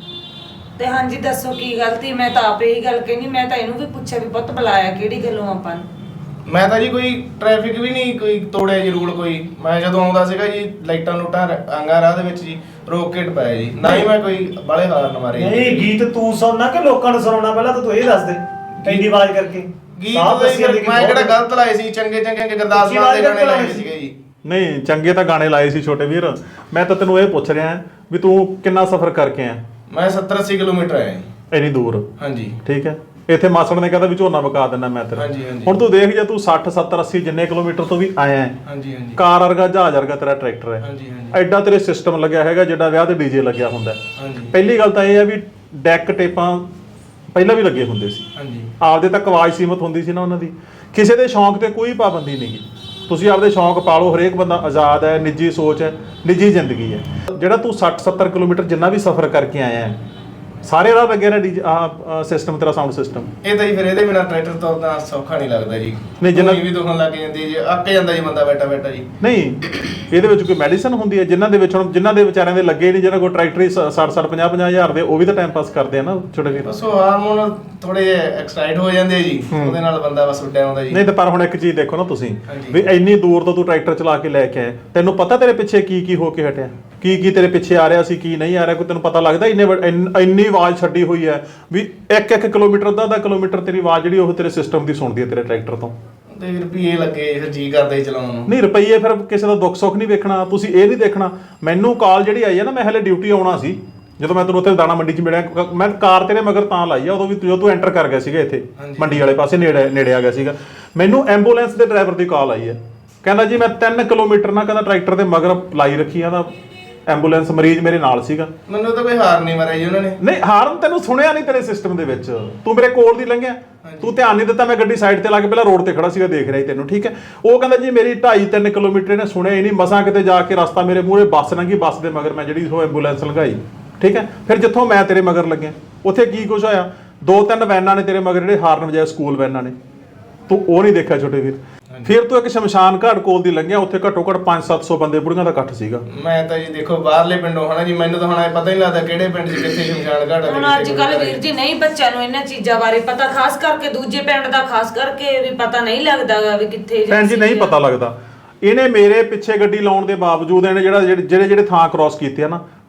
Speaker 6: ਤੇ ਹਾਂਜੀ ਦੱਸੋ ਕੀ ਗਲਤੀ? ਮੈਂ ਤਾਂ ਆਪੇ ਹੀ ਗੱਲ ਕਹਿਨੀ, ਮੈਂ ਤਾਂ ਇਹਨੂੰ ਵੀ ਪੁੱਛਿਆ ਵੀ ਪੁੱਤ ਬੁਲਾਇਆ ਕਿਹੜੀ ਗੱਲੋਂ ਆਪਾਂ ਨੂੰ।
Speaker 2: ਮੈਂ ਤਾਂ ਜੀ ਕੋਈ ਟ੍ਰੈਫਿਕ ਵੀ ਨਹੀਂ ਕੋਈ ਤੋੜਿਆ ਜੀ ਰੂਲ ਕੋਈ। ਮੈਂ ਜਦੋਂ ਆਉਂਦਾ ਸੀਗਾ ਜੀ ਲਾਈਟਾਂ ਲੂਟਾਂ ਆਂਗਾ ਰਾਹ ਦੇ ਵਿੱਚ ਜੀ ਰੋਕ ਕੇ ਟਪਾਇਆ ਜੀ, ਨਾ ਹੀ ਮੈਂ ਕੋਈ ਬਾਲੇ ਹਾਰਨ ਮਾਰੇ ਜੀ।
Speaker 3: ਨਹੀਂ ਗੀਤ ਤੂੰ ਸੁਣਨਾ ਕਿ ਲੋਕਾਂ ਨੂੰ ਸੁਣਾਉਣਾ? ਪਹਿਲਾਂ ਤਾਂ ਤੂੰ ਇਹ ਦੱਸ ਦੇ ਇੰਨੀ ਆਵਾਜ਼ ਕਰਕੇ।
Speaker 2: ਗੀਤ
Speaker 3: ਸਾਫ਼
Speaker 2: ਤਾਂ
Speaker 3: ਦੱਸੀ
Speaker 2: ਜੀ
Speaker 3: ਜਾਂਦੀ ਕਿ
Speaker 2: ਮੈਂ
Speaker 3: ਬਹੁਤ-
Speaker 2: ਕਿਹੜਾ ਗਲਤ ਲਾਏ ਸੀ, ਚੰਗੇ ਚੰਗੇ ਗੁਰਦਾਸ
Speaker 3: ਉੱਚੀ
Speaker 2: ਮਾਨ ਦੇ
Speaker 3: ਆਵਾਜ਼
Speaker 2: ਗਾਣੇ ਲਾਏ
Speaker 3: ਕਰਕੇ
Speaker 2: ਸੀਗੇ ਜੀ।
Speaker 1: ਨਹੀਂ ਚੰਗੇ ਤਾਂ ਗਾਣੇ ਲਾਏ ਸੀ ਛੋਟੇ ਵੀਰ, ਮੈਂ ਤਾਂ ਤੈਨੂੰ ਇਹ ਪੁੱਛ ਰਿਹਾ ਵੀ ਤੂੰ ਕਿੰਨਾ ਸਫ਼ਰ ਕਰਕੇ ਆਇਆ?
Speaker 2: ਮੈਂ ਸੱਤਰ ਅੱਸੀ ਕਿਲੋਮੀਟਰ ਆਇਆ ਜੀ।
Speaker 1: ਇੰਨੀ ਦੂਰ?
Speaker 2: ਹਾਂਜੀ।
Speaker 1: ਠੀਕ ਹੈ, ਇੱਥੇ ਮਾਸੜ ਨੇ ਕਹਿੰਦਾ ਵੀ ਝੋਨਾ ਵਕਾ ਦਿੰਦਾ ਮੈਂ ਤੇਰਾ।
Speaker 2: ਹਾਂਜੀ, ਹਾਂਜੀ।
Speaker 1: ਹੁਣ ਤੂੰ ਦੇਖ ਜੇ ਤੂੰ ਸੱਠ ਸੱਤਰ ਅੱਸੀ ਜਿੰਨੇ ਕਿਲੋਮੀਟਰ ਤੋਂ ਵੀ ਆਇਆ ਹੈ,
Speaker 2: ਹਾਂਜੀ ਹਾਂਜੀ।
Speaker 1: ਕਾਰ ਵਰਗਾ ਜਹਾਜ਼ ਵਰਗਾ ਤੇਰਾ ਟਰੈਕਟਰ ਹੈ,
Speaker 2: ਹਾਂਜੀ ਹਾਂਜੀ।
Speaker 1: ਐਡਾ ਤੇਰੇ ਸਿਸਟਮ ਲੱਗਿਆ ਹੈਗਾ ਜਿਹੜਾ ਵਿਆਹ ਤੇ ਡੀਜੇ ਲੱਗਿਆ ਹੁੰਦਾ ਹੈ।
Speaker 2: ਹਾਂਜੀ
Speaker 1: ਪਹਿਲੀ ਗੱਲ ਤਾਂ ਇਹ ਹੈ ਵੀ ਡੈਕ ਟੇਪਾਂ ਪਹਿਲਾਂ ਵੀ ਲੱਗੇ ਹੁੰਦੇ ਸੀ,
Speaker 2: ਹਾਂਜੀ।
Speaker 1: ਆਪਦੇ ਤੱਕ ਆਵਾਜ਼ ਸੀਮਤ ਹੁੰਦੀ ਸੀ ਨਾ ਉਹਨਾਂ ਦੀ। ਕਿਸੇ ਦੇ ਸ਼ੌਂਕ ਤੇ ਕੋਈ ਪਾਬੰਦੀ ਨਹੀਂ ਗੀ, ਤੁਸੀਂ ਆਪਦੇ ਸ਼ੌਂਕ ਪਾਲੋ, ਹਰੇਕ ਬੰਦਾ ਆਜ਼ਾਦ ਹੈ, ਨਿੱਜੀ ਸੋਚ ਹੈ, ਨਿੱਜੀ ਜ਼ਿੰਦਗੀ ਹੈ। ਜਿਹੜਾ ਤੂੰ ਸੱਠ ਸੱਤਰ ਕਿਲੋਮੀਟਰ ਜਿੰਨਾ ਵੀ ਸਫ਼ਰ ਕਰਕੇ ਆਇਆ ਹੈ, ਸਾਰੇ ਰਾਹ ਲੱਗੇ ਨਾ ਡੀ ਆਹ ਸਿਸਟਮ ਤੇਰਾ ਸਾਊਂਡ ਸਿਸਟਮ।
Speaker 2: ਇਹ ਤਾਂ ਜੀ ਫਿਰ ਇਹਦੇ ਬਿਨਾ ਟਰੈਕਟਰ ਤੋਰਨਾ ਸੌਖਾ ਨਹੀਂ ਲੱਗਦਾ ਜੀ।
Speaker 1: ਨਹੀਂ, ਜਿੰਨਾ-
Speaker 2: ਧੂਣੀ ਵੀ ਦੁਖਣ ਲੱਗ ਜਾਂਦੀ ਜੀ, ਅੱਕ ਜਾਂਦਾ ਜੀ ਬੰਦਾ ਬੈਠਾ ਬੈਠਾ ਜੀ।
Speaker 1: ਨਹੀਂ ਇਹਦੇ ਵਿੱਚ ਕੋਈ ਮੈਡੀਸਨ ਹੁੰਦੀ ਹੈ? ਜਿਨ੍ਹਾਂ ਦੇ ਵਿੱਚ ਹੁਣ ਜਿਨ੍ਹਾਂ ਦੇ ਵਿਚਾਰਿਆਂ ਦੇ ਲੱਗੇ ਨਹੀਂ, ਜਿਹਨਾਂ ਕੋਲ ਟਰੈਕਟਰ ਹੀ ਸੱਠ ਸੱਠ ਪੰਜਾਹ ਪੰਜਾਹ ਹਜ਼ਾਰ ਦੇ, ਉਹ ਵੀ ਤਾਂ ਟਾਈਮ ਪਾਸ ਕਰਦੇ ਆ ਨਾ ਛੋਟੇ ਵੀਰ।
Speaker 2: ਬਸ ਉਹ ਹਾਰਮੋਨ ਥੋੜੇ ਐਕਸਾਈਟ ਹੋ ਜਾਂਦੇ ਜੀ, ਉਹਦੇ ਨਾਲ ਬੰਦਾ ਬਸ ਉੱਡਿਆ ਆਉਂਦਾ ਜੀ।
Speaker 1: ਨਹੀਂ ਤਾਂ ਪਰ ਹੁਣ ਇੱਕ ਚੀਜ਼ ਦੇਖੋ ਨਾ ਤੁਸੀਂ
Speaker 2: ਹਾਂਜੀ।
Speaker 1: ਵੀ ਇੰਨੀ ਦੂਰ ਤੋਂ ਤੂੰ ਟਰੈਕਟਰ ਚਲਾ ਕੇ ਲੈ ਕੇ ਆਇਆ, ਤੈਨੂੰ ਪਤਾ ਤੇਰੇ ਪਿੱਛੇ ਕੀ ਕੀ ਹੋ ਕੇ ਹਟਿਆ, ਕੀ ਕੀ ਤੇਰੇ ਪਿੱਛੇ ਆ ਰਿਹਾ ਸੀ, ਕੀ ਨਹੀਂ ਆ ਰਿਹਾ, ਕੋਈ ਤੈਨੂੰ ਪਤਾ ਲੱਗਦਾ? ਇੰਨੇ ਵੱਡ- ਇੰਨ- ਇੰਨੀ ਆਵਾਜ਼ ਛੱਡੀ ਹੋਈ ਹੈ ਵੀ ਇੱਕ ਇੱਕ ਕਿਲੋਮੀਟਰ ਦਾ ਅੱਧਾ ਕਿਲੋਮੀਟਰ ਤੇਰੀ ਆਵਾਜ਼ ਜਿਹੜੀ ਉਹ ਤੇਰੇ ਸਿਸਟਮ ਦੀ ਸੁਣਦੀ ਹੈ ਤੇਰੇ ਟਰੈਕਟਰ ਤੋਂ।
Speaker 2: ਤੇ ਰੁਪਈਏ ਲੱਗੇ ਫਿਰ ਜੀ ਕਰਦਾ ਹੀ ਚਲਾਉਣ ਨੂੰ।
Speaker 1: ਨਹੀਂ ਰੁਪਈਏ ਫਿਰ ਕਿਸੇ ਦਾ ਦੁੱਖ ਸੁੱਖ ਨਹੀਂ ਵੇਖਣਾ, ਤੁਸੀਂ ਇਹ ਨਹੀਂ ਦੇਖਣਾ। ਮੈਨੂੰ ਕਾਲ ਜਿਹੜੀ ਆਈ ਹੈ ਨਾ, ਮੈਂ ਹਲੇ ਡਿਊਟੀ ਆਉਣਾ ਸੀ, ਜਦੋਂ ਮੈਂ ਤੈਨੂੰ ਉੱਥੇ ਦਾਣਾ ਮੰਡੀ 'ਚ ਮਿਲਿਆ, ਕ- ਮੈਂ ਕਾਰ ਤੇਰੇ ਮਗਰ ਤਾਂ ਲਾਈ ਆ ਉਦੋਂ ਵੀ ਜਦੋਂ ਤੂੰ ਐਂਟਰ ਕਰ ਗਿਆ ਸੀਗਾ ਇੱਥੇ ਮੰਡੀ ਵਾਲੇ ਪਾਸੇ, ਨੇੜੇ ਨੇੜੇ ਆ ਗਿਆ ਸੀਗਾ। ਮੈਨੂੰ ਐਂਬੂਲੈਂਸ ਦੇ ਡਰਾਈਵਰ ਦੀ ਕਾਲ ਆਈ ਹੈ, ਕਹਿੰਦਾ ਜੀ ਮੈਂ ਤਿੰਨ ਕਿਲੋਮੀਟਰ ਨਾ ਕਹਿੰਦਾ ਟਰੈਕਟਰ ਦੇ ਮਗਰ ਲਾਈ ਰੱਖੀ ਆ, ਦਾ ਐਂਬੂਲੈਂਸ ਮਰੀਜ਼ ਮੇਰੇ ਨਾਲ ਸੀਗਾ।
Speaker 2: ਮੈਨੂੰ ਤਾਂ ਕੋਈ ਹਾਰ ਨਹੀਂ ਮਾਰਿਆ ਜੀ ਉਹਨਾਂ ਨੇ।
Speaker 1: ਨਹੀਂ ਹਾਰਨ ਤੈਨੂੰ ਸੁਣਿਆ ਨਹੀਂ ਤੇਰੇ ਸਿਸਟਮ ਦੇ ਵਿੱਚ, ਤੂੰ ਮੇਰੇ ਕੋਲ ਦੀ ਲੰਘਿਆ, ਤੂੰ ਧਿਆਨ ਨਹੀਂ ਦਿੱਤਾ। ਮੈਂ ਗੱਡੀ ਸਾਈਡ ਤੇ ਲਾ ਕੇ ਪਹਿਲਾਂ ਰੋਡ ਤੇ ਖੜਾ ਸੀਗਾ, ਦੇਖ ਰਿਹਾ ਸੀ ਤੈਨੂੰ, ਠੀਕ ਹੈ। ਉਹ ਕਹਿੰਦਾ ਜੀ ਮੇਰੀ ਢਾਈ ਤਿੰਨ ਕਿਲੋਮੀਟਰ ਇਹਨੇ ਸੁਣਿਆ ਹੀ ਨਹੀਂ, ਮਸਾਂ ਕਿਤੇ ਜਾ ਕੇ ਰਸਤਾ ਮੇਰੇ ਮੂਹਰੇ ਬੱਸ ਲੰਘੀ, ਬੱਸ ਦੇ ਮਗਰ ਮੈਂ ਜਿਹੜੀ ਉਹ ਐਂਬੂਲੈਂਸ ਲੰਘਾਈ, ਠੀਕ ਹੈ। ਫਿਰ ਜਿੱਥੋਂ ਮੈਂ ਤੇਰੇ ਮਗਰ ਲੱਗਿਆ ਉੱਥੇ ਕੀ ਕੁਝ ਹੋਇਆ, ਦੋ ਤਿੰਨ ਵੈਨਾਂ ਨੇ ਤੇਰੇ ਮਗਰ ਜਿਹੜੇ ਹਾਰਨ ਵਜਾਏ, ਸਕੂਲ ਵੈਨਾਂ ਨੇ, ਤੂੰ ਉਹ ਨਹੀਂ ਦੇਖਿਆ ਛੋਟੇ ਵੀਰ। ਫਿਰ ਤੂੰ ਇੱਕ ਸ਼ਮਸ਼ਾਨ ਘਾਟ ਕੋਲ ਦੀ ਲੰਘਿਆ, ਉੱਥੇ ਘੱਟੋ ਘੱਟ ਪੰਜ ਸੱਤ ਸੌ ਬੰਦੇ ਬੁੜੀਆਂ ਦਾ ਇਕੱਠ ਸੀਗਾ।
Speaker 2: ਮੈਂ ਤਾਂ ਜੀ ਦੇਖੋ ਬਾਹਰਲੇ ਪਿੰਡੋਂ ਹਨਾ ਜੀ, ਮੈਨੂੰ ਤਾਂ ਹੁਣ ਇਹ ਪਤਾ ਹੀ ਨਹੀਂ ਲੱਗਦਾ ਕਿਹੜੇ ਪਿੰਡ 'ਚ ਕਿੱਥੇ ਸ਼ਮਸ਼ਾਨ ਘਾਟ ਆ।
Speaker 6: ਹੁਣ ਅੱਜ ਕੱਲ ਵੀਰ ਜੀ ਨਹੀਂ ਬੱਚਿਆਂ ਨੂੰ ਇਹਨਾਂ ਚੀਜ਼ਾਂ ਬਾਰੇ ਪਤਾ, ਖਾਸ ਕਰਕੇ ਦੂਜੇ ਪਿੰਡ ਦਾ ਖਾਸ ਕਰਕੇ ਵੀ ਪਤਾ ਨਹੀਂ ਲੱਗਦਾ ਵੀ ਕਿੱਥੇ
Speaker 1: ਭੈਣ ਜੀ ਨਹੀਂ ਪਤਾ ਲੱਗਦਾ। ਇਹਨੇ ਮੇਰੇ ਪਿੱਛੇ ਗੱਡੀ ਲਾਉਣ ਦੇ ਬਾਵਜੂਦ ਇਹਨੇ ਜਿਹੜਾ ਜਿਹੜੇ ਜਿਹੜੇ ਥਾਂ ਕ੍ਰਾਸ ਕੀਤੇ ਆ ਨਾ,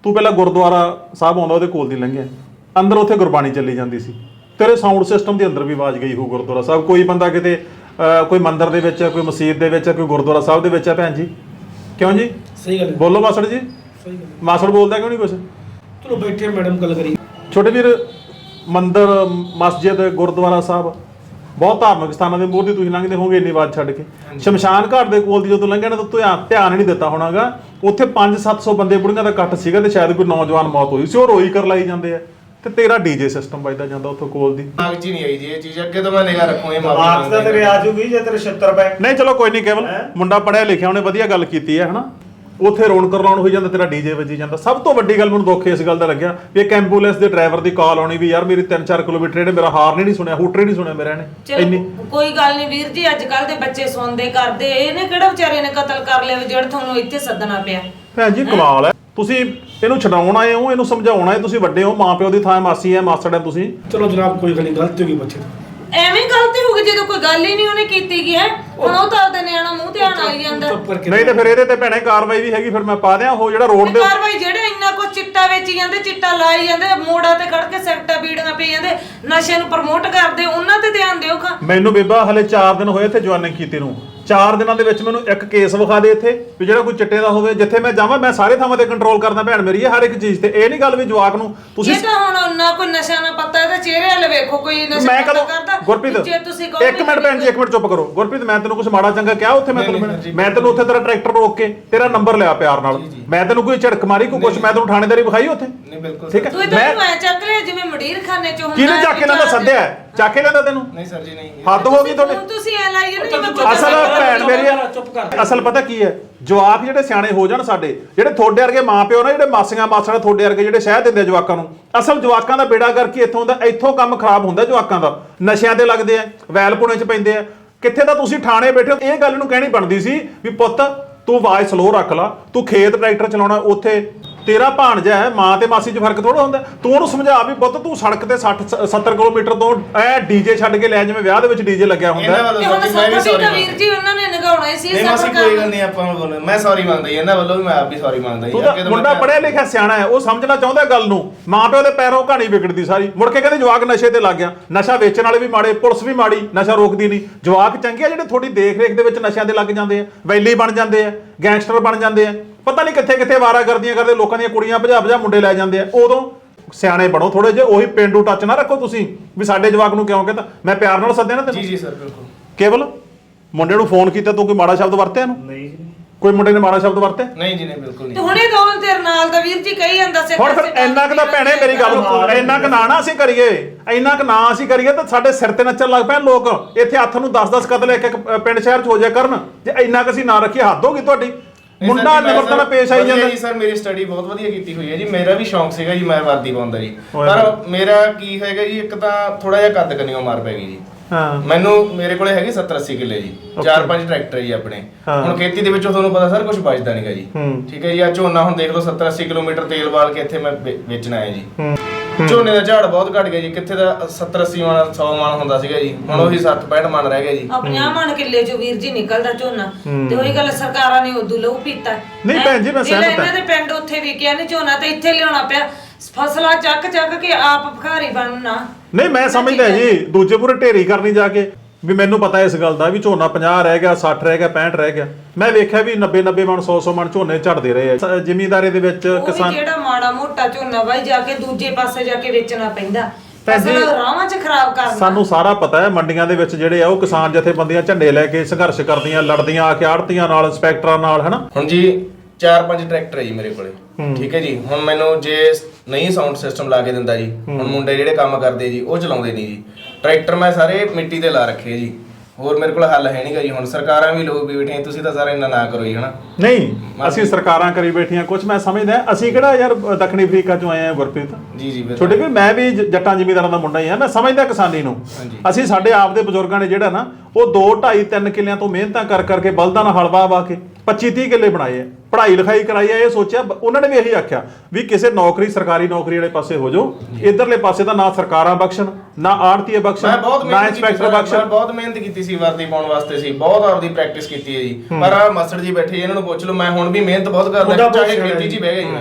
Speaker 1: ਤੂੰ ਪਹਿਲਾਂ ਗੁਰਦੁਆਰਾ ਸਾਹਿਬ ਆਉਂਦਾ ਉਹਦੇ ਕੋਲ ਦੀ ਲੰਘਿਆ, ਅੰਦਰ ਉੱਥੇ ਗੁਰਬਾਣੀ ਚੱਲੀ ਜਾਂਦੀ ਸੀ, ਤੇਰੇ ਸਾਊਂਡ ਸਿਸਟਮ ਦੇ ਅੰਦਰ ਵੀ ਆਵਾਜ਼ ਗਈ ਹੋ ਗੁਰਦੁਆਰਾ ਸਾਹਿਬ। ਕੋਈ ਬੰਦਾ ਕਿਤੇ ਅਹ, ਕੋਈ ਮੰਦਿਰ ਦੇ ਵਿੱਚ, ਕੋਈ ਮਸਜਿਦ ਦੇ ਵਿੱਚ, ਕੋਈ ਗੁਰਦੁਆਰਾ ਸਾਹਿਬ ਦੇ ਵਿੱਚ ਹੈ ਭੈਣ ਜੀ, ਕਿਉਂ ਜੀ?
Speaker 7: ਸਹੀ ਗੱਲ
Speaker 1: ਬੋਲੋ ਮਾਸੜ ਜੀ।
Speaker 7: ਸਹੀ ਗੱਲ
Speaker 1: ਮਾਸੜ ਬੋਲਦਾ ਕਿਉਂ ਨਹੀਂ ਕੁਛ?
Speaker 7: ਚਲੋ ਬੈਠੇ ਮੈਡਮ ਗੱਲ ਕਰੀ।
Speaker 1: ਛੋਟੇ ਵੀਰ, ਮੰਦਿਰ, ਮਸਜਿਦ, ਗੁਰਦੁਆਰਾ ਸਾਹਿਬ, ਬਹੁਤ ਧਾਰਮਿਕ ਸਥਾਨਾਂ ਦੇ ਮੂਹਰੇ ਤੁਸੀਂ ਲੰਘਦੇ ਹੋਵੋਗੇ ਇੰਨੀ ਆਵਾਜ਼ ਛੱਡ ਕੇ। ਸ਼ਮਸ਼ਾਨ ਘਾਟ ਦੇ ਕੋਲ ਦੀ ਜਦੋਂ ਲੰਘਿਆ ਨਾ ਤਾਂ ਧਿਆਨ ਧਿਆਨ ਨਹੀਂ ਦਿੱਤਾ ਹੋਣਾਗਾ, ਉੱਥੇ ਪੰਜ ਸੱਤ ਸੌ ਬੰਦੇ ਬੁੜੀਆਂ ਦਾ ਇਕੱਠ ਸੀਗਾ ਤੇ ਸ਼ਾਇਦ ਕੋਈ ਨੌਜਵਾਨ ਮੌਤ ਹੋਈ ਸੀ, ਉਹ ਰੋਈ ਕਰ ਲਾਈ ਜਾਂਦੇ ਆ ਤੇ ਤੇਰਾ ਡੀਜੇ ਸਿਸਟਮ ਵੱਜਦਾ ਜਾਂਦਾ ਉੱਥੋਂ ਕੋਲ ਦੀ।
Speaker 2: ਦਿਮਾਗ 'ਚ ਹੀ ਨਹੀਂ ਆਈ ਜੀ ਇਹ ਚੀਜ਼, ਅੱਗੇ ਤੋਂ ਮੈਂ ਨਿਗਾਹ ਰੱਖੂਗੀ।
Speaker 3: ਮਾਰਕਸ ਤਾਂ ਤੇਰੇ ਆ ਜੂਗੀ ਜੇ ਤੇਰੇ ਛਿੱਤਰ ਪਏ।
Speaker 1: ਨਹੀਂ ਚਲੋ ਕੋਈ ਨਹੀਂ, ਕੇਵਲ ਮੁੰਡਾ ਪੜਿਆ ਲਿਖਿਆ, ਉਹਨੇ ਵਧੀਆ ਗੱਲ ਕੀਤੀ ਹੈ ਹਨਾ। ਉੱਥੇ ਰੌਣਕ ਰਲਾਉਣ ਹੋਈ ਜਾਂਦਾ, ਤੇਰਾ ਡੀਜੇ ਵੱਜੀ ਜਾਂਦਾ। ਸਭ ਤੋਂ ਵੱਡੀ ਗੱਲ ਮੈਨੂੰ ਦੁੱਖ ਇਸ ਗੱਲ ਦਾ ਲੱਗਿਆ ਵੀ ਇੱਕ ਐਂਬੂਲੈਂਸ ਦੇ ਡਰਾਈਵਰ ਦੀ ਕਾਲ ਆਉਣੀ ਵੀ ਯਾਰ ਮੇਰੀ ਤਿੰਨ ਚਾਰ ਕਿਲੋਮੀਟਰ ਇਹਨੇ ਮੇਰਾ ਹਾਰਨ ਹੀ ਨਹੀਂ ਸੁਣਿਆ, ਹੂਟਰ ਹੀ ਨਹੀਂ ਸੁਣਿਆ ਮੇਰਾ ਇਹਨੇ। ਇੰਨੀ
Speaker 6: ਚਲੋ ਕੋਈ ਗੱਲ ਨਹੀਂ ਵੀਰ ਜੀ, ਅੱਜ ਕੱਲ ਦੇ ਬੱਚੇ ਸੁਣਦੇ ਕਰਦੇ, ਇਹਨੇ ਕਿਹੜਾ ਵਿਚਾਰੇ ਨੇ ਕਤਲ ਕਰ ਲਿਆ ਵੀ ਜਿਹੜਾ ਤੁਹਾਨੂੰ ਇੱਥੇ ਸੱਦਣਾ ਪਿਆ।
Speaker 1: ਭੈਣ ਜੀ ਕਮਾਲ ਹੈ, ਤੁਸੀਂ ਇਹਨੂੰ ਛਡਾਉਣ ਆਏ ਹੋ, ਇਹਨੂੰ ਸਮਝਾਉਣਾ ਹੈ, ਤੁਸੀਂ ਵੱਡੇ ਹੋ, ਮਾਂ ਪਿਓ ਦੀ ਥਾਂ ਮਾਸੀ ਹੈ, ਮਾਸੜ ਹੈ ਤੁਸੀਂ।
Speaker 7: ਚਲੋ ਜਨਾਬ ਕੋਈ ਗੱਲ ਨਹੀਂ, ਗਲਤੀ ਹੋ ਗਈ ਬੱਚੇ ਤੋਂ।
Speaker 6: ਐਵੇਂ ਗਲਤੀ ਹੋ ਗਈ ਜਦੋਂ ਕੋਈ ਗੱਲ ਹੀ ਨਹੀਂ ਉਹਨੇ ਕੀਤੀ ਗਈ ਹੈ। ਹੁਣ ਉਹ ਤਾਂ ਆਪਦੇ ਨਿਆਣਾ ਮੂੰਹ ਤੇ ਆਣ ਆਈ ਜਾਂਦਾ।
Speaker 7: ਚੁੱਪ ਕਰਕੇ
Speaker 1: ਨਹੀਂ ਤੇ ਫਿਰ ਇਹਦੇ ਤੇ ਭੈਣੇ ਕਾਰਵਾਈ ਵੀ ਹੈਗੀ, ਫਿਰ ਮੈਂ ਪਾ ਦਿਆਂ ਉਹ ਜਿਹੜਾ ਰੋਡ ਦੇ
Speaker 6: ਕਾਰਵਾਈ ਜਿਹੜੇ ਇੰਨਾ ਕੁਝ ਚਿੱਟਾ ਵੇਚੀ ਜਾਂਦੇ, ਚਿੱਟਾ ਲਾਈ ਜਾਂਦੇ, ਮੋੜਾਂ ਤੇ ਖੜ ਕੇ ਸਿਗਰਟਾਂ ਬੀੜੀਆਂ ਪੀ ਜਾਂਦੇ, ਨਸ਼ੇ ਨੂੰ ਪ੍ਰਮੋਟ ਕਰਦੇ, ਉਹਨਾਂ ਤੇ ਧਿਆਨ ਦਿਓ ਖਾਂ।
Speaker 1: ਮੈਨੂੰ ਬੇਬਾ ਹਲੇ ਚਾਰ ਦਿਨ ਹੋਏ ਇੱਥੇ ਜੁਆਇਨਿੰਗ ਕੀਤੀ ਨੂੰ, ਚਾਰ ਦਿਨਾਂ ਦੇ ਵਿੱਚ ਮੈਨੂੰ ਇੱਕ ਕੇਸ ਵਿਖਾ ਦੇ ਇੱਥੇ ਵੀ ਜਿਹੜਾ ਕੋਈ ਚਿੱਟੇ ਦਾ ਹੋਵੇ। ਜਿੱਥੇ ਮੈਂ ਜਾਵਾਂ ਮੈਂ ਸਾਰੇ ਥਾਵਾਂ ਤੇ ਕੰਟਰੋਲ ਕਰਦਾ ਭੈਣ ਮੇਰੀ ਹੈ ਹਰ ਇੱਕ ਚੀਜ਼ ਤੇ। ਇਹ ਨਹੀਂ ਗੱਲ ਵੀ ਜਵਾਕ ਨੂੰ ਤੁਸੀਂ
Speaker 6: ਇਹ ਤਾਂ ਹੁਣ ਨਾ ਕੋਈ ਨਸ਼ਾ ਨਾ ਪਤਾ, ਇਹਦੇ ਚਿਹਰੇ ਵਾਲੇ ਵੇਖੋ ਕੋਈ ਨਸ਼ਾ
Speaker 1: ਮੈਂ
Speaker 6: ਪਤਾ
Speaker 1: ਕਦੋਂ
Speaker 6: ਕਰਦਾ।
Speaker 1: ਗੁਰਪ੍ਰੀਤ
Speaker 6: ਜੇ ਤੁਸੀਂ ਕਹੋ
Speaker 1: ਇੱਕ ਮਿੰਟ ਭੈਣ ਜੀ, ਇੱਕ ਮਿੰਟ ਚੁੱਪ ਕਰੋ। ਗੁਰਪ੍ਰੀਤ ਮੈਂ ਤੈਨੂੰ ਕੁਝ ਮਾੜਾ ਚੰਗਾ ਕਿਹਾ ਉੱਥੇ? ਮੈਂ ਤੈਨੂੰ ਮੈਂ ਤੈਨੂੰ ਉੱਥੇ ਤੇਰਾ ਟਰੈਕਟਰ ਰੋਕ ਕੇ ਤੇਰਾ ਨੰਬਰ ਲਿਆ ਪਿਆਰ ਨਾਲ, ਮੈਂ ਤੈਨੂੰ ਕੋਈ ਝੜਕ ਮਾਰੀ ਕੋਈ ਕੁਝ, ਮੈਂ ਤੈਨੂੰ ਥਾਣੇਦਾਰੀ ਵਿਖਾਈ ਉੱਥੇ?
Speaker 2: ਨਹੀਂ ਬਿਲਕੁਲ
Speaker 1: ਠੀਕ ਹੈ।
Speaker 6: ਤੂੰ ਤਾਂ ਮੈਂ ਚੱਕ ਲਿਆ ਜਿਵੇਂ ਮਡੀਰ ਖਾਨੇ ਚ ਹੁੰਦਾ।
Speaker 1: ਕਿਹਨੇ ਚੱਕ ਕੇ ਲੈਂਦਾ? ਸੱਦਿਆ ਚੱਕ ਕੇ ਲੈਂਦਾ ਤੈਨੂੰ?
Speaker 2: ਨਹੀਂ ਸਰ ਜੀ ਨਹੀਂ।
Speaker 1: ਹੱਦ ਹੋ ਗਈ ਤੁਹਾਡੀ।
Speaker 6: ਹੁਣ ਤੁਸੀਂ ਐ ਲਾਈ ਜਾਂਦੇ ਜਿਵੇਂ ਕੋਈ
Speaker 1: ਅਸਲ ਭੈਣ ਮੇਰੀ ਆ,
Speaker 7: ਚੁੱਪ ਕਰ।
Speaker 1: ਅਸਲ ਪਤਾ ਕੀ ਹੈ, ਜਵਾਕ ਜਿਹੜੇ ਸਿਆਣੇ ਹੋ ਜਾਣ ਸਾਡੇ, ਜਿਹੜੇ ਥੋੜੇ ਵਰਗੇ ਮਾਪਿਓ ਨਾ, ਜਿਹੜੇ ਮਾਸੀਆਂ ਮਾਸੜ ਥੋੜੇ ਵਰਗੇ ਜਿਹੜੇ ਸ਼ਹਿ ਦਿੰਦੇ ਜਵਾਕਾਂ ਨੂੰ, ਅਸਲ ਜਵਾਕਾਂ ਦਾ ਬੇੜਾ ਕਰਕੇ ਇੱਥੋਂ ਦਾ ਇੱਥੋਂ ਕੰਮ ਖਰਾਬ ਹੁੰਦਾ ਜਵਾਕਾਂ ਦਾ। ਨਸ਼ਿਆਂ ਤੇ ਲੱਗਦੇ ਆ, ਵੈਲ ਪੁਣੇ ਚ ਪੈਂਦੇ ਆ। ਕਿੱਥੇ ਤਾਂ ਤੁਸੀਂ ਥਾਣੇ ਬੈਠੇ ਹੋ, ਇਹ ਗੱਲ ਨੂੰ ਕਹਿਣੀ ਬਣਦੀ ਸੀ ਵੀ ਪੁੱਤ ਤੂੰ ਆਵਾਜ਼ ਸਲੋ ਰੱਖ ਲਾ, ਤੂੰ ਖੇਤ ਟਰੈਕਟਰ ਚਲਾਉਣਾ, ਉੱਥੇ ਤੇਰਾ ਭਾਣਜਾ ਹੈ, ਮਾਂ ਤੇ ਮਾਸੀ 'ਚ ਫਰਕ ਥੋੜਾ ਹੁੰਦਾ। ਤੂੰ ਉਹਨੂੰ ਸਮਝਾ ਵੀ ਪੁੱਤ ਤੂੰ ਸੜਕ ਤੇ ਸੱਠ ਸੱਤਰ ਕਿਲੋਮੀਟਰ ਤੋਂ ਐ ਡੀਜੇ ਛੱਡ ਕੇ ਲੈ, ਜਿਵੇਂ ਵਿਆਹ ਦੇ ਵਿੱਚ ਡੀਜੇ ਲੱਗਿਆ ਹੁੰਦਾ।
Speaker 2: ਇਹਨਾਂ ਵੱਲੋਂ
Speaker 6: ਤੇ ਹੁਣ
Speaker 2: ਸਰ ਜੀ ਮੈਂ ਵੀ
Speaker 6: ਸਭ
Speaker 2: ਸੌਰੀ
Speaker 6: ਤੋਂ ਵੀਰ ਜੀ ਉਹਨਾਂ ਨੇ ਨਗਾਉਣਾ ਹੀ ਸੀ
Speaker 2: ਨਹੀਂ ਮਾਸੀ ਕੋਈ ਗੱਲ ਨਹੀਂ, ਆਪਾਂ ਨੂੰ ਬੋਲੋ ਮੈਂ ਸੌਰੀ ਮੰਗਦਾ ਜੀ ਇਹਨਾਂ ਵੱਲੋਂ ਵੀ, ਮੈਂ ਆਪ ਵੀ ਸੌਰੀ ਮੰਗਦਾ ਜੀ।
Speaker 1: ਤੂੰ ਤਾਂ ਮੁੰਡਾ ਪੜਿਆ ਲਿਖਿਆ ਸਿਆਣਾ ਹੈ, ਉਹ ਸਮਝਣਾ ਚਾਹੁੰਦਾ ਗੱਲ ਨੂੰ। ਮਾਂ ਪਿਓ ਦੇ ਪੈਰੋਂ ਕਹਾਣੀ ਵਿਗੜਦੀ ਸਾਰੀ। ਮੁੜ ਕੇ ਕਹਿੰਦੇ ਜਵਾਕ ਨਸ਼ੇ ਤੇ ਲੱਗ ਗਿਆ। ਨਸ਼ਾ ਵੇਚਣ ਵਾਲੇ ਵੀ ਮਾੜੇ, ਪੁਲਿਸ ਵੀ ਮਾੜੀ, ਨਸ਼ਾ ਰੋਕਦੀ ਨਹੀਂ। ਜਵਾਕ ਚੰਗੇ ਆ ਜਿਹੜੇ ਥੋੜੀ ਦੇਖ ਰੇਖ ਦੇ ਵਿੱਚ ਨਸ਼ਿਆਂ ਦੇ ਲੱਗ ਜਾਂਦੇ ਆ, ਵੈਲੀ ਬਣ ਜਾਂਦੇ ਆ, ਗੈਂਗਸਟਰ ਬਣ ਜਾਂਦੇ ਆ, ਪਤਾ ਨਹੀਂ ਕਿੱਥੇ ਕਿੱਥੇ ਵਾਰਾਗਰਦੀਆਂ ਕਰਦੇ, ਲੋਕਾਂ ਦੀਆਂ ਕੁੜੀਆਂ ਭਜਾ ਭਜਾ ਮੁੰਡੇ ਲੈ ਜਾਂਦੇ ਆ। ਉਦੋਂ ਸਿਆਣੇ ਬਣੋ ਥੋੜੇ ਜਿਹੇ, ਉਹੀ ਪੇਂਡੂ ਟੱਚ ਨਾ ਰੱਖੋ ਤੁਸੀਂ ਵੀ ਸਾਡੇ ਜਵਾਕ ਨੂੰ ਕਿਉਂ ਕਹਿੰਦਾ। ਮੈਂ ਪਿਆਰ ਨਾਲ ਸੱਦਿਆ ਨਾ ਤੈਨੂੰ।
Speaker 2: ਜੀ ਜੀ ਸਰ ਬਿਲਕੁਲ।
Speaker 1: ਕੇਵਲ ਮੁੰਡੇ ਨੂੰ ਫੋਨ ਕੀਤਾ, ਤੂੰ ਕੋਈ ਮਾੜਾ ਸ਼ਬਦ ਵਰਤਿਆ ਇਹਨੂੰ?
Speaker 3: ਨਹੀਂ ਜੀ,
Speaker 1: ਕੋਈ ਮੁੰਡੇ ਨੇ ਮਾੜਾ ਸ਼ਬਦ ਵਰਤਿਆ?
Speaker 2: ਨਹੀਂ ਜੀ ਨਹੀਂ ਬਿਲਕੁਲ
Speaker 6: ਤੇ
Speaker 2: ਨਹੀਂ।
Speaker 6: ਹੁਣੇ ਦੋਨ ਤੇਰੇ ਨਾਲ ਦਾ ਵੀਰ ਜੀ ਕਹੀ ਜਾਂਦਾ ਸੀ।
Speaker 1: ਹੁਣ ਫਿਰ ਇੰਨਾ ਕੁ ਤਾਂ ਭੈਣੇ ਮੇਰੀ ਗੱਲ ਨੂੰ, ਇੰਨਾ ਕੁ ਨਾ ਨਾ ਅਸੀਂ ਕਰੀਏ, ਇੰਨਾ ਕੁ ਨਾ ਅਸੀਂ ਕਰੀਏ ਤਾਂ ਸਾਡੇ ਸਿਰ ਤੇ ਨੱਚਣ ਲੱਗ ਪੈਣ ਲੋਕ। ਇੱਥੇ ਹੱਥ ਨੂੰ ਦਸ ਦਸ ਕਤਲ ਇੱਕ ਇੱਕ ਪਿੰਡ ਸ਼ਹਿਰ 'ਚ ਹੋ ਜਾਇਆ ਕਰਨ। ਜੇ ਇੰਨਾ ਕੁ ਅਸੀਂ ਨਾ ਰੱਖੀਏ, ਹੱਦ ਹੋ ਗਈ ਤੁਹਾਡੀ। ਮੁੰਡਾ ਨਿਮਰਤਾ ਨਾਲ ਪੇਸ਼ ਆਈ ਜਾਂਦਾ
Speaker 2: ਜੀ ਸਰ। ਮੇਰੀ ਸਟੱਡੀ ਬਹੁਤ ਵਧੀਆ ਕੀਤੀ ਹੋਈ ਹੈ ਜੀ, ਮੇਰਾ ਵੀ ਸ਼ੌਂਕ ਸੀਗਾ ਜੀ ਮੈਂ ਵਰਦੀ ਪਾਉਂਦਾ ਜੀ, ਪਰ ਮੇਰਾ ਕੀ ਹੈਗਾ ਜੀ, ਇੱਕ ਤਾਂ ਥੋੜਾ ਜਿਹਾ ਕੱਦ ਕੰਨਿਓ ਮਾਰ ਪੈ ਗਈ ਜੀ।
Speaker 1: ਹਾਂ
Speaker 2: ਮੈਨੂੰ ਮੇਰੇ ਕੋਲੇ ਹੈਗੇ ਸੱਤਰ ਅੱਸੀ ਕਿੱਲੇ ਜੀ, ਚਾਰ ਪੰਜ ਟਰੈਕਟਰ ਜੀ ਆਪਣੇ। ਹੁਣ ਖੇਤੀ ਦੇ ਵਿੱਚੋਂ ਤੁਹਾਨੂੰ ਪਤਾ ਸਰ ਕੁਝ ਬਚਦਾ ਨਹੀਂਗਾ ਜੀ। ਠੀਕ ਹੈ ਜੀ, ਆ ਝੋਨਾ ਹੁਣ ਦੇਖ ਲਓ ਸੱਤਰ ਅੱਸੀ ਕਿਲੋਮੀਟਰ ਤੇਲ ਬਾਲ ਕੇ ਇੱਥੇ ਮੈਂ ਵੇ- ਵੇਚਣ ਆਇਆ ਜੀ। ਝੋਨੇ ਦਾ ਝਾੜ ਬਹੁਤ ਘਟ ਗਿਆ ਜੀ, ਕਿੱਥੇ ਦਾ ਸੱਤਰ ਅੱਸੀ ਮਣ ਸੌ ਮਣ ਹੁੰਦਾ ਸੀਗਾ ਜੀ, ਹੁਣ ਉਹੀ ਸੱਠ ਪੈਂਹਠ ਮਣ ਰਹਿ ਗਿਆ ਜੀ।
Speaker 6: ਪੰਜਾਹ ਮਣ ਕਿੱਲੇ ਚੋਂ ਵੀਰ ਜੀ ਨਿਕਲਦਾ ਝੋਨਾ। ਤੇ ਉਹੀ ਗੱਲ ਸਰਕਾਰਾਂ ਨੇ ਉਦੋਂ ਲਹੂ ਪੀਤਾ।
Speaker 1: ਨਹੀਂ ਭੈਣ ਜੀ, ਮੈਂ
Speaker 6: ਜਿਹੜਾ
Speaker 1: ਸਹਿਮਤ ਹਾਂ।
Speaker 6: ਇਹਨਾਂ ਦੇ ਪਿੰਡ ਉੱਥੇ ਵਿਕਿਆ ਨਹੀਂ ਝੋਨਾ ਤੇ ਇੱਥੇ ਲਿਆਉਣਾ ਪਿਆ, ਫਸਲਾਂ ਚੱਕ ਚੱਕ ਕੇ ਆਪ ਭਿਖਾਰੀ ਬਣਨਾ।
Speaker 1: ਨਹੀਂ ਮੈਂ ਸਮਝਦਾ ਜੀ, ਦੂਜੇ ਪੂਰੇ ਢੇਰੀ ਕਰਨੀ ਜਾ ਕੇ ਵੀ ਮੈਨੂੰ ਪਤਾ ਇਸ ਗੱਲ ਦਾ ਵੀ ਝੋਨਾ ਪੰਜਾਹ ਰਹਿ ਗਿਆ, ਸੱਠ ਰਹਿ ਗਿਆ, ਪੈਂਹਠ ਰਹਿ ਗਿਆ। ਮੈਂ ਵੇਖਿਆ ਵੀ ਨੱਬੇ ਨੱਬੇ ਮਣ ਸੌ ਸੌ ਮਣ ਝੋਨੇ ਝੜਦੇ ਰਹੇ ਆ ਜ਼ਿਮੀਂਦਾਰੀ ਦੇ ਵਿੱਚ।
Speaker 6: ਉਹ ਵੀ
Speaker 1: ਕਿਸਾਨ
Speaker 6: ਜਿਹੜਾ ਮਾੜਾ ਮੋਟਾ ਝੋਨਾ ਬਾਈ ਜਾ ਕੇ ਦੂਜੇ ਪਾਸੇ ਜਾ ਕੇ ਵੇਚਣਾ ਪੈਂਦਾ,
Speaker 1: ਭੈਣ ਜੀ,
Speaker 6: ਫਸਲ ਰਾਵਾਂ 'ਚ ਖਰਾਬ ਕਰਨਾ।
Speaker 1: ਸਾਨੂੰ ਸਾਰਾ ਪਤਾ ਹੈ ਮੰਡੀਆਂ ਦੇ ਵਿੱਚ ਜਿਹੜੇ ਆ ਉਹ ਕਿਸਾਨ ਜਥੇਬੰਦੀਆਂ ਝੰਡੇ ਲੈ ਕੇ ਸੰਘਰਸ਼ ਕਰਦੀਆਂ, ਲੜਦੀਆਂ ਆ ਕੇ ਆੜਤੀਆਂ ਨਾਲ, ਇੰਸਪੈਕਟਰਾਂ ਨਾਲ, ਹਨਾ।
Speaker 2: ਹੁਣ ਜੀ ਚਾਰ ਪੰਜ ਟਰੈਕਟਰ ਹੈ ਜੀ ਮੇਰੇ ਕੋਲੇ। ਠੀਕ ਹੈ ਜੀ, ਹੁਣ ਮੈਨੂੰ ਜੇ ਨਹੀਂ ਸਾਊਂਡ ਸਿਸਟਮ ਲਾ ਕੇ ਦਿੰਦਾ ਜੀ, ਹੁਣ ਮੁੰਡੇ ਜਿਹੜੇ ਕੰਮ ਕਰਦੇ ਜੀ ਉਹ ਚਲਾਉਂਦੇ ਨਹੀਂ ਜੀ। ਟਰੈਕਟਰ ਮੈਂ ਸਾਰੇ ਮਿੱਟੀ ਤੇ ਲਾ ਰੱਖੇ ਜੀ, ਹੋਰ ਮੇਰੇ ਕੋਲ ਹੱਲ ਹੈ ਨਹੀਂਗਾ ਜੀ। ਹੁਣ ਸਰਕਾਰਾਂ ਵੀ ਲੋਕ ਵੀ ਬੈਠੀਆਂ, ਤੁਸੀਂ ਤਾਂ ਸਾਰਾ ਇੰਨਾ ਨਾ ਕਰੋ ਜੀ ਹਨਾ।
Speaker 1: ਨਹੀਂ ਅਸੀਂ ਸਰਕਾਰਾਂ ਕਰੀ ਬੈਠੀਆਂ ਕੁਝ, ਮੈਂ ਸਮਝਦਾ ਅਸੀਂ ਕਿਹੜਾ ਯਾਰ ਦੱਖਣੀ ਅਫਰੀਕਾ ਚੋਂ ਆਏ ਆ ਗੁਰਪ੍ਰੀਤ
Speaker 2: ਜੀ ਜੀ ਬਿਲਕੁਲ।
Speaker 1: ਛੋਟੇ ਵੀ ਮੈਂ ਵੀ ਜ- ਜੱਟਾਂ ਜ਼ਿਮੀਂਦਾਰਾਂ ਦਾ ਮੁੰਡਾ ਹੀ ਆ, ਮੈਂ ਸਮਝਦਾ ਕਿਸਾਨੀ ਨੂੰ। ਅਸੀਂ ਸਾਡੇ ਆਪ ਦੇ ਬਜ਼ੁਰਗਾਂ ਨੇ ਜਿਹੜਾ ਨਾ ਉਹ ਦੋ ਢਾਈ ਤਿੰਨ ਕਿੱਲਿਆਂ ਤੋਂ ਮਿਹਨਤਾਂ ਕਰ ਕਰਕੇ ਬਲਦਾਂ ਨਾਲ ਹਲ ਵਾਹ ਵਾਹ ਕੇ ਪੱਚੀ ਤੀਹ ਕਿੱਲੇ ਬਣਾਏ ਆ, ਪੜ੍ਹਾਈ ਲਿਖਾਈ ਕਰਾਈ ਆ। ਇਹ ਸੋਚਿਆ ਉਹਨਾਂ ਨੇ ਵੀ ਇਹੀ ਆਖਿਆ ਵੀ ਕਿਸੇ ਨੌਕਰੀ ਸਰਕਾਰੀ ਨੌਕਰੀ ਵਾਲੇ ਪਾਸੇ ਹੋ ਜਾਓ, ਇਧਰਲੇ ਪਾਸੇ ਤਾਂ ਨਾ ਸਰਕਾਰਾਂ ਬਖਸ਼ਣ, ਨਾ ਆੜਤੀਏ
Speaker 2: ਮੈਂ
Speaker 1: ਬਖਸ਼ਣ,
Speaker 2: ਬਹੁਤ
Speaker 1: ਨਾ
Speaker 2: ਮਿਹਨਤ ਕੀਤੀ
Speaker 1: ਇੰਸਪੈਕਟਰ
Speaker 2: ਸਰ,
Speaker 1: ਬਖਸ਼ਣ।
Speaker 2: ਮੈਂ ਬਹੁਤ ਮਿਹਨਤ ਕੀਤੀ ਸੀ ਵਰਦੀ ਪਾਉਣ ਵਾਸਤੇ ਸੀ, ਬਹੁਤ ਆਪਦੀ ਪ੍ਰੈਕਟਿਸ ਕੀਤੀ ਹੈ ਜੀ। ਪਰ ਆ ਮਾਸਟਰ ਜੀ ਬੈਠੇ, ਇਹਨਾਂ ਨੂੰ ਪੁੱਛ ਲਓ, ਮੈਂ ਹੁਣ ਵੀ ਮਿਹਨਤ ਬਹੁਤ ਕਰਦਾ, ਚਾਹੇ ਖੇਤੀ 'ਚ ਹੀ ਬਹਿ ਗਿਆ ਜੀ ਮੈਂ।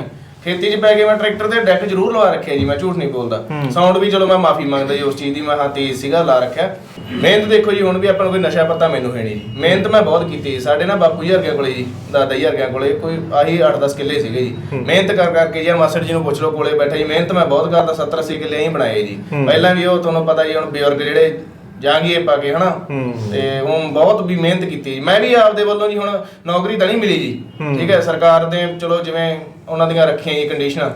Speaker 2: ਖੇਤੀ 'ਚ ਪੈ ਕੇ ਮੈਂ ਟਰੈਕਟਰ ਤੇ ਡੈਕ ਜ਼ਰੂਰ ਲਵਾ ਰੱਖਿਆ ਜੀ, ਮੈਂ ਝੂਠ ਨਹੀਂ ਬੋਲਦਾ। ਸਾਊਂਡ ਵੀ ਚਲੋ ਮੈਂ ਮਾਫੀ ਮੰਗਦਾ ਜੀ ਉਸ ਚੀਜ਼ ਦੀ, ਮੈਂ ਹਾਂ ਤੇਜ਼ ਸੀਗਾ ਲਾ ਰੱਖਿਆ। ਮਿਹਨਤ ਦੇਖੋ ਜੀ, ਹੁਣ ਵੀ ਆਪਾਂ ਨੂੰ ਕੋਈ ਨਸ਼ਾ ਪਤਾ ਮੈਨੂੰ ਹੈ ਨਹੀਂ ਜੀ, ਮਿਹਨਤ ਮੈਂ ਬਹੁਤ ਕੀਤੀ ਜੀ। ਸਾਡੇ ਨਾ ਬਾਪੂ ਜੀ ਵਰਗਿਆਂ ਕੋਲੇ ਜੀ, ਦਾਦਾ ਜੀ ਵਰਗਿਆਂ ਕੋਲੇ ਕੋਈ ਆਹੀ ਅੱਠ ਦਸ ਕਿੱਲੇ ਸੀਗੇ ਜੀ। ਮਿਹਨਤ ਕਰ ਕਰਕੇ ਜੀ ਮਾਸੜ ਜੀ ਨੂੰ ਪੁੱਛ ਲਓ ਕੋਲੇ ਬੈਠੇ ਜੀ, ਮਿਹਨਤ ਮੈਂ ਬਹੁਤ ਕਰਦਾ, ਸੱਤਰ ਅੱਸੀ ਕਿੱਲੇ ਹੀ ਬਣਾਏ ਜੀ। ਪਹਿਲਾਂ ਵੀ ਉਹ ਤੁਹਾਨੂੰ ਪਤਾ ਜੀ, ਹੁਣ ਬਜ਼ੁਰਗ ਜਿਹੜੇ ਜਾਂਗੀਏ ਪਾ ਕੇ ਹਨਾ, ਤੇ ਉਹ ਬਹੁਤ ਵੀ ਮਿਹਨਤ ਕੀਤੀ। ਮੈਂ ਵੀ ਆਪਦੇ ਵੱਲੋਂ ਜੀ, ਹੁਣ ਨੌਕਰੀ ਤਾਂ ਨਹੀਂ ਮਿਲੀ ਜੀ, ਠੀਕ ਹੈ, ਸਰਕਾਰ ਦੇ ਚਲੋ ਜਿਵੇਂ ਉਹਨਾਂ ਦੀਆਂ ਰੱਖੀਆਂ ਜੀ ਕੰਡੀਸ਼ਨਾਂ,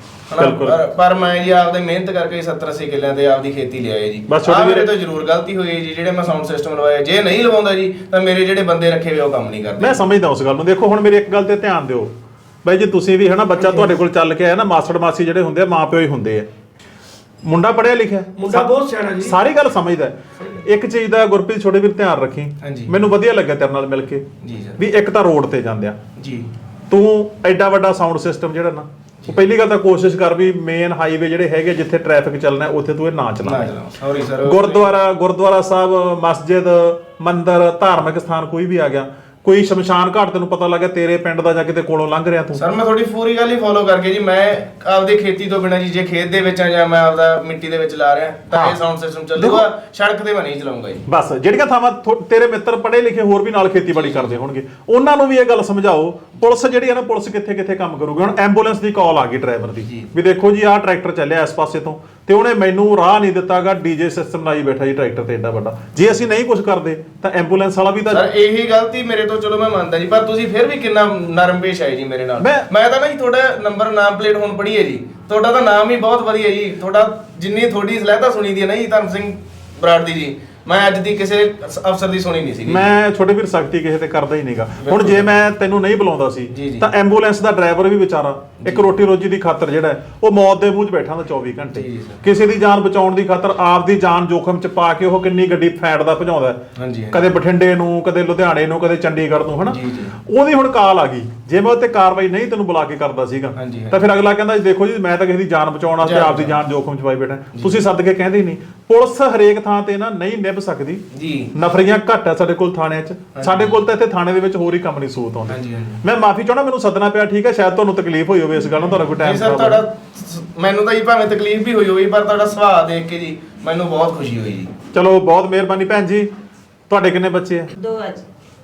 Speaker 2: ਪਰ ਪਰ ਮੈਂ ਜੀ ਆਪਦੇ ਮਿਹਨਤ ਕਰਕੇ ਸੱਤਰ ਅੱਸੀ ਕਿੱਲਿਆਂ ਤੇ ਆਪਦੀ ਖੇਤੀ ਲਿਆਏ ਜੀ। ਆਹ ਮੇਰੇ ਤੋਂ ਜ਼ਰੂਰ ਗਲਤੀ ਹੋਈ ਜੀ, ਜਿਹੜੇ ਮੈਂ ਸਾਊਂਡ ਸਿਸਟਮ ਲਵਾਇਆ। ਜੇ ਨਹੀਂ ਲਵਾਉਂਦਾ ਜੀ ਤਾਂ ਮੇਰੇ ਜਿਹੜੇ ਬੰਦੇ ਰੱਖੇ ਹੋਏ ਉਹ ਕੰਮ ਨਹੀਂ ਕਰਦੇ।
Speaker 1: ਮੈਂ ਸਮਝਦਾ ਉਸ ਗੱਲ ਨੂੰ। ਦੇਖੋ ਹੁਣ ਮੇਰੀ ਇੱਕ ਗੱਲ ਤੇ ਧਿਆਨ ਦਿਓ ਬਾਈ ਜੀ, ਤੁਸੀਂ ਵੀ ਹਨਾ, ਬੱਚਾ ਤੁਹਾਡੇ ਕੋਲ ਚੱਲ ਕੇ ਆਇਆ ਨਾ, ਮਾਸੜ ਮਾਸੀ ਜਿਹੜੇ ਹੁੰਦੇ ਆ ਮਾਂ ਪਿਓ ਹੀ ਹੁੰਦੇ ਆ। ਮੁੰਡਾ ਪੜਿਆ ਲਿਖਿਆ,
Speaker 7: ਮੁੰਡਾ ਬਹੁਤ ਸਿਆਣਾ ਜੀ,
Speaker 1: ਸਾਰੀ ਗੱਲ ਸਮਝਦਾ। ਇੱਕ ਚੀਜ਼ ਦਾ ਗੁਰਪ੍ਰੀਤ ਛੋਟੇ ਵੀਰ ਧਿਆਨ ਰੱਖੀ, ਮੈਨੂੰ ਵਧੀਆ ਲੱਗਿਆ ਤੇਰੇ ਨਾਲ ਮਿਲ ਕੇ ਵੀ ਇੱਕ ਤਾਂ ਰੋਡ ਤੇ ਜਾਂਦੇ ਆ
Speaker 2: ਜੀ,
Speaker 1: ਤੂੰ ਐਡਾ ਵੱਡਾ ਸਾਊਂਡ ਸਿਸਟਮ ਜਿਹੜਾ ਨਾ, ਉਹ ਪਹਿਲੀ ਗੱਲ ਤਾਂ ਕੋਸ਼ਿਸ਼ ਕਰ ਵੀ ਮੇਨ ਹਾਈਵੇ ਜਿਹੜੇ ਹੈਗੇ ਜਿੱਥੇ ਟ੍ਰੈਫਿਕ ਚੱਲਣਾ ਉੱਥੇ ਤੂੰ ਇਹ ਨਾ ਚਲਾ।
Speaker 2: Sorry sir.
Speaker 1: ਗੁਰਦੁਆਰਾ ਗੁਰਦੁਆਰਾ ਸਾਹਿਬ, ਮਸਜਿਦ, ਮੰਦਿਰ, ਧਾਰਮਿਕ ਸਥਾਨ ਕੋਈ ਵੀ ਆ ਗਿਆ, ਕੋਈ ਸ਼ਮਸ਼ਾਨ ਘਾਟ ਤੈਨੂੰ ਪਤਾ ਲੱਗਿਆ ਤੇਰੇ ਪਿੰਡ ਦਾ ਜਾਂ ਕਿਤੇ ਕੋਲੋਂ ਲੰਘ ਰਿਹਾ ਤੂੰ।
Speaker 2: ਸਰ ਮੈਂ ਤੁਹਾਡੀ ਪੂਰੀ ਗੱਲ ਹੀ ਫੋਲੋ ਕਰਕੇ ਜੀ, ਮੈਂ ਆਪਦੀ ਖੇਤੀ ਤੋਂ ਬਿਨਾਂ ਜੀ, ਜੇ ਖੇਤ ਦੇ ਵਿੱਚ ਆ ਜਾਂ ਮੈਂ ਆਪਦਾ ਮਿੱਟੀ ਦੇ ਵਿੱਚ ਲਾ ਰਿਹਾ ਤਾਂ ਇਹ ਸਾਊਂਡ ਸਿਸਟਮ ਚੱਲੂਗਾ, ਸੜਕ ਤੇ ਮੈਂ ਨਹੀਂ ਚਲਾਉਂਗਾ ਜੀ।
Speaker 1: ਬਸ ਜਿਹੜੀਆਂ ਥਾਵਾਂ ਤੇਰੇ ਮਿੱਤਰ ਪੜ੍ਹੇ ਲਿਖੇ ਹੋਰ ਵੀ ਨਾਲ ਖੇਤੀਬਾੜੀ ਕਰਦੇ ਹੋਣਗੇ, ਉਹਨਾਂ ਨੂੰ ਵੀ ਇਹ ਗੱਲ ਸਮਝਾਓ। ਪੁਲਿਸ ਜਿਹੜੀ ਹੈ ਨਾ, ਪੁਲਿਸ ਕਿੱਥੇ ਕਿੱਥੇ ਕੰਮ ਕਰੂਗੀ। ਹੁਣ ਐਂਬੂਲੈਂਸ ਦੀ ਕਾਲ ਆ ਗਈ ਡਰਾਈਵਰ ਦੀ ਵੀ ਦੇਖੋ ਜੀ ਆਹ ਟਰੈਕਟਰ ਚੱਲਿਆ ਇਸ ਪਾਸੇ ਤੋਂ, ਤੇ ਉਹਨੇ ਮੈਨੂੰ ਰਾਹ ਨਹੀਂ ਦਿੱਤਾਗਾ, ਡੀਜੇ ਸਿਸਟਮ ਲਾਈ ਬੈਠਾ ਜੀ ਟਰੈਕਟਰ ਤੇ ਏਡਾ ਵੱਡਾ। ਜੇ ਅਸੀਂ ਨਹੀਂ ਕੁਝ ਕਰਦੇ ਤਾਂ ਐਂਬੂਲੈਂਸ ਵਾਲਾ ਵੀ ਤਾਂ।
Speaker 2: ਸਰ ਇਹੀ ਗਲਤੀ ਮੇਰੇ ਤੋਂ ਚਲੋ ਮੈਂ ਮੰਨਦਾ ਜੀ, ਪਰ ਤੁਸੀਂ ਫਿਰ ਵੀ ਕਿੰਨਾ ਨਰਮ ਪੇਸ਼ ਆਏ ਜੀ ਮੇਰੇ ਨਾਲ। ਮੈਂ ਤਾਂ ਨਾ ਜੀ ਤੁਹਾਡਾ ਨੰਬਰ ਨਾਮ ਪਲੇਟ ਹੁਣ ਪੜ੍ਹੀ ਹੈ ਜੀ, ਤੁਹਾਡਾ ਤਾਂ ਨਾਮ ਹੀ ਬਹੁਤ ਵਧੀਆ ਜੀ। ਤੁਹਾਡਾ ਜਿੰਨੀ ਤੁਹਾਡੀ ਸਲਾਹਤਾ ਸੁਣੀ ਦੀ ਹੈ ਨਾ ਜੀ ਧਰਮ ਸਿੰਘ ਬਰਾੜ ਦੀ ਜੀ, ਮੈਂ ਅੱਜ ਦੀ ਕਿਸੇ ਅਫਸਰ ਦੀ ਸੁਣੀ ਨਹੀਂ ਸੀ।
Speaker 1: ਮੈਂ ਛੋਟੇ ਵੀਰ ਸਖਤੀ ਕਿਸੇ ਤੇ ਕਰਦਾ ਹੀ ਨਹੀਂਗਾ। ਹੁਣ ਜੇ ਮੈਂ ਤੈਨੂੰ ਨਹੀਂ ਬੁਲਾਉਂਦਾ ਸੀ ਤਾਂ ਐਂਬੂਲੈਂਸ ਦਾ ਡਰਾਈਵਰ ਵੀ ਵਿਚਾਰਾ ਇੱਕ ਰੋਟੀ ਰੋਜੀ ਦੀ ਖਾਤਰ ਜਿਹੜਾ ਉਹ ਮੌਤ ਦੇ ਮੂੰਹ 'ਚ ਬੈਠਾ ਹੁੰਦਾ ਚੌਵੀ ਘੰਟੇ, ਕਿਸੇ ਦੀ ਜਾਨ ਬਚਾਉਣ ਦੀ ਖਾਤਰ ਆਪ ਦੀ ਜਾਨ ਜੋਖਮ 'ਚ ਪਾ ਕੇ ਉਹ ਕਿੰਨੀ ਗੱਡੀ ਫੈਂਟਦਾ ਭਜਾਉਂਦਾ, ਕਦੇ ਬਠਿੰਡੇ ਨੂੰ, ਕਦੇ ਲੁਧਿਆਣੇ ਨੂੰ, ਕਦੇ ਚੰਡੀਗੜ੍ਹ ਨੂੰ, ਹਨਾ। ਉਹਦੀ ਹੁਣ ਕਾਲ ਆ ਗਈ, ਜੇ ਮੈਂ ਉੱਤੇ ਕਾਰਵਾਈ ਨਹੀਂ ਤੈਨੂੰ ਬੁਲਾ ਕੇ ਕਰਦਾ ਸੀਗਾ ਤਾਂ ਫਿਰ ਅਗਲਾ ਕਹਿੰਦਾ ਦੇਖੋ ਜੀ ਮੈਂ ਤਾਂ ਕਿਸੇ ਦੀ ਜਾਨ ਬਚਾਉਣ ਵਾਸਤੇ ਆਪ ਦੀ ਜਾਨ ਜੋਖਮ 'ਚ ਪਾਈ ਬੈਠਾ। ਤੁਸੀਂ ਸੱਦ ਕੇ ਕਹਿੰਦੇ ਹੀ ਨਹੀਂ। ਪੁਲਿਸ ਹਰੇਕ ਥਾਂ ਤੇ ਨਾ ਨਹੀਂ ਨਿਭ ਸਕਦੀ ਜੀ, ਨਫਰੀਆਂ ਘੱਟ ਆ ਸਾਡੇ ਕੋਲ ਥਾਣਿਆਂ 'ਚ। ਸਾਡੇ ਕੋਲ ਤਾਂ ਇੱਥੇ ਥਾਣੇ ਦੇ ਵਿੱਚ ਹੋਰ ਹੀ ਕੰਮ ਨਹੀਂ ਸੂਤ ਆਉਂਦੇ। ਮੈਂ ਮਾਫੀ ਚਾਹਣਾ, ਮੈਨੂੰ ਸੱਦਣਾ ਪਿਆ, ਠੀਕ ਹੈ, ਸ਼ਾਇਦ ਤੁਹਾਨੂੰ ਤਕਲੀਫ ਹੋਈ ਹੋਵੇ ਇਸ ਗੱਲ ਨੂੰ, ਤੁਹਾਡਾ ਕੋਈ ਟਾਈਮ
Speaker 2: ਸਰ ਤੁਹਾਡਾ ਮੈਨੂੰ ਤਾਂ ਜੀ ਭਾਵੇਂ ਤਕਲੀਫ ਵੀ ਹੋਈ ਹੋਈ, ਪਰ ਤੁਹਾਡਾ ਸੁਭਾਅ ਦੇਖ ਕੇ ਜੀ ਮੈਨੂੰ ਬਹੁਤ ਖੁਸ਼ੀ ਹੋਈ ਜੀ।
Speaker 1: ਚਲੋ ਬਹੁਤ ਮਿਹਰਬਾਨੀ ਭੈਣ ਜੀ। ਤੁਹਾਡੇ ਕਿੰਨੇ ਬੱਚੇ ਆ?
Speaker 6: ਦੋ ਅੱਜ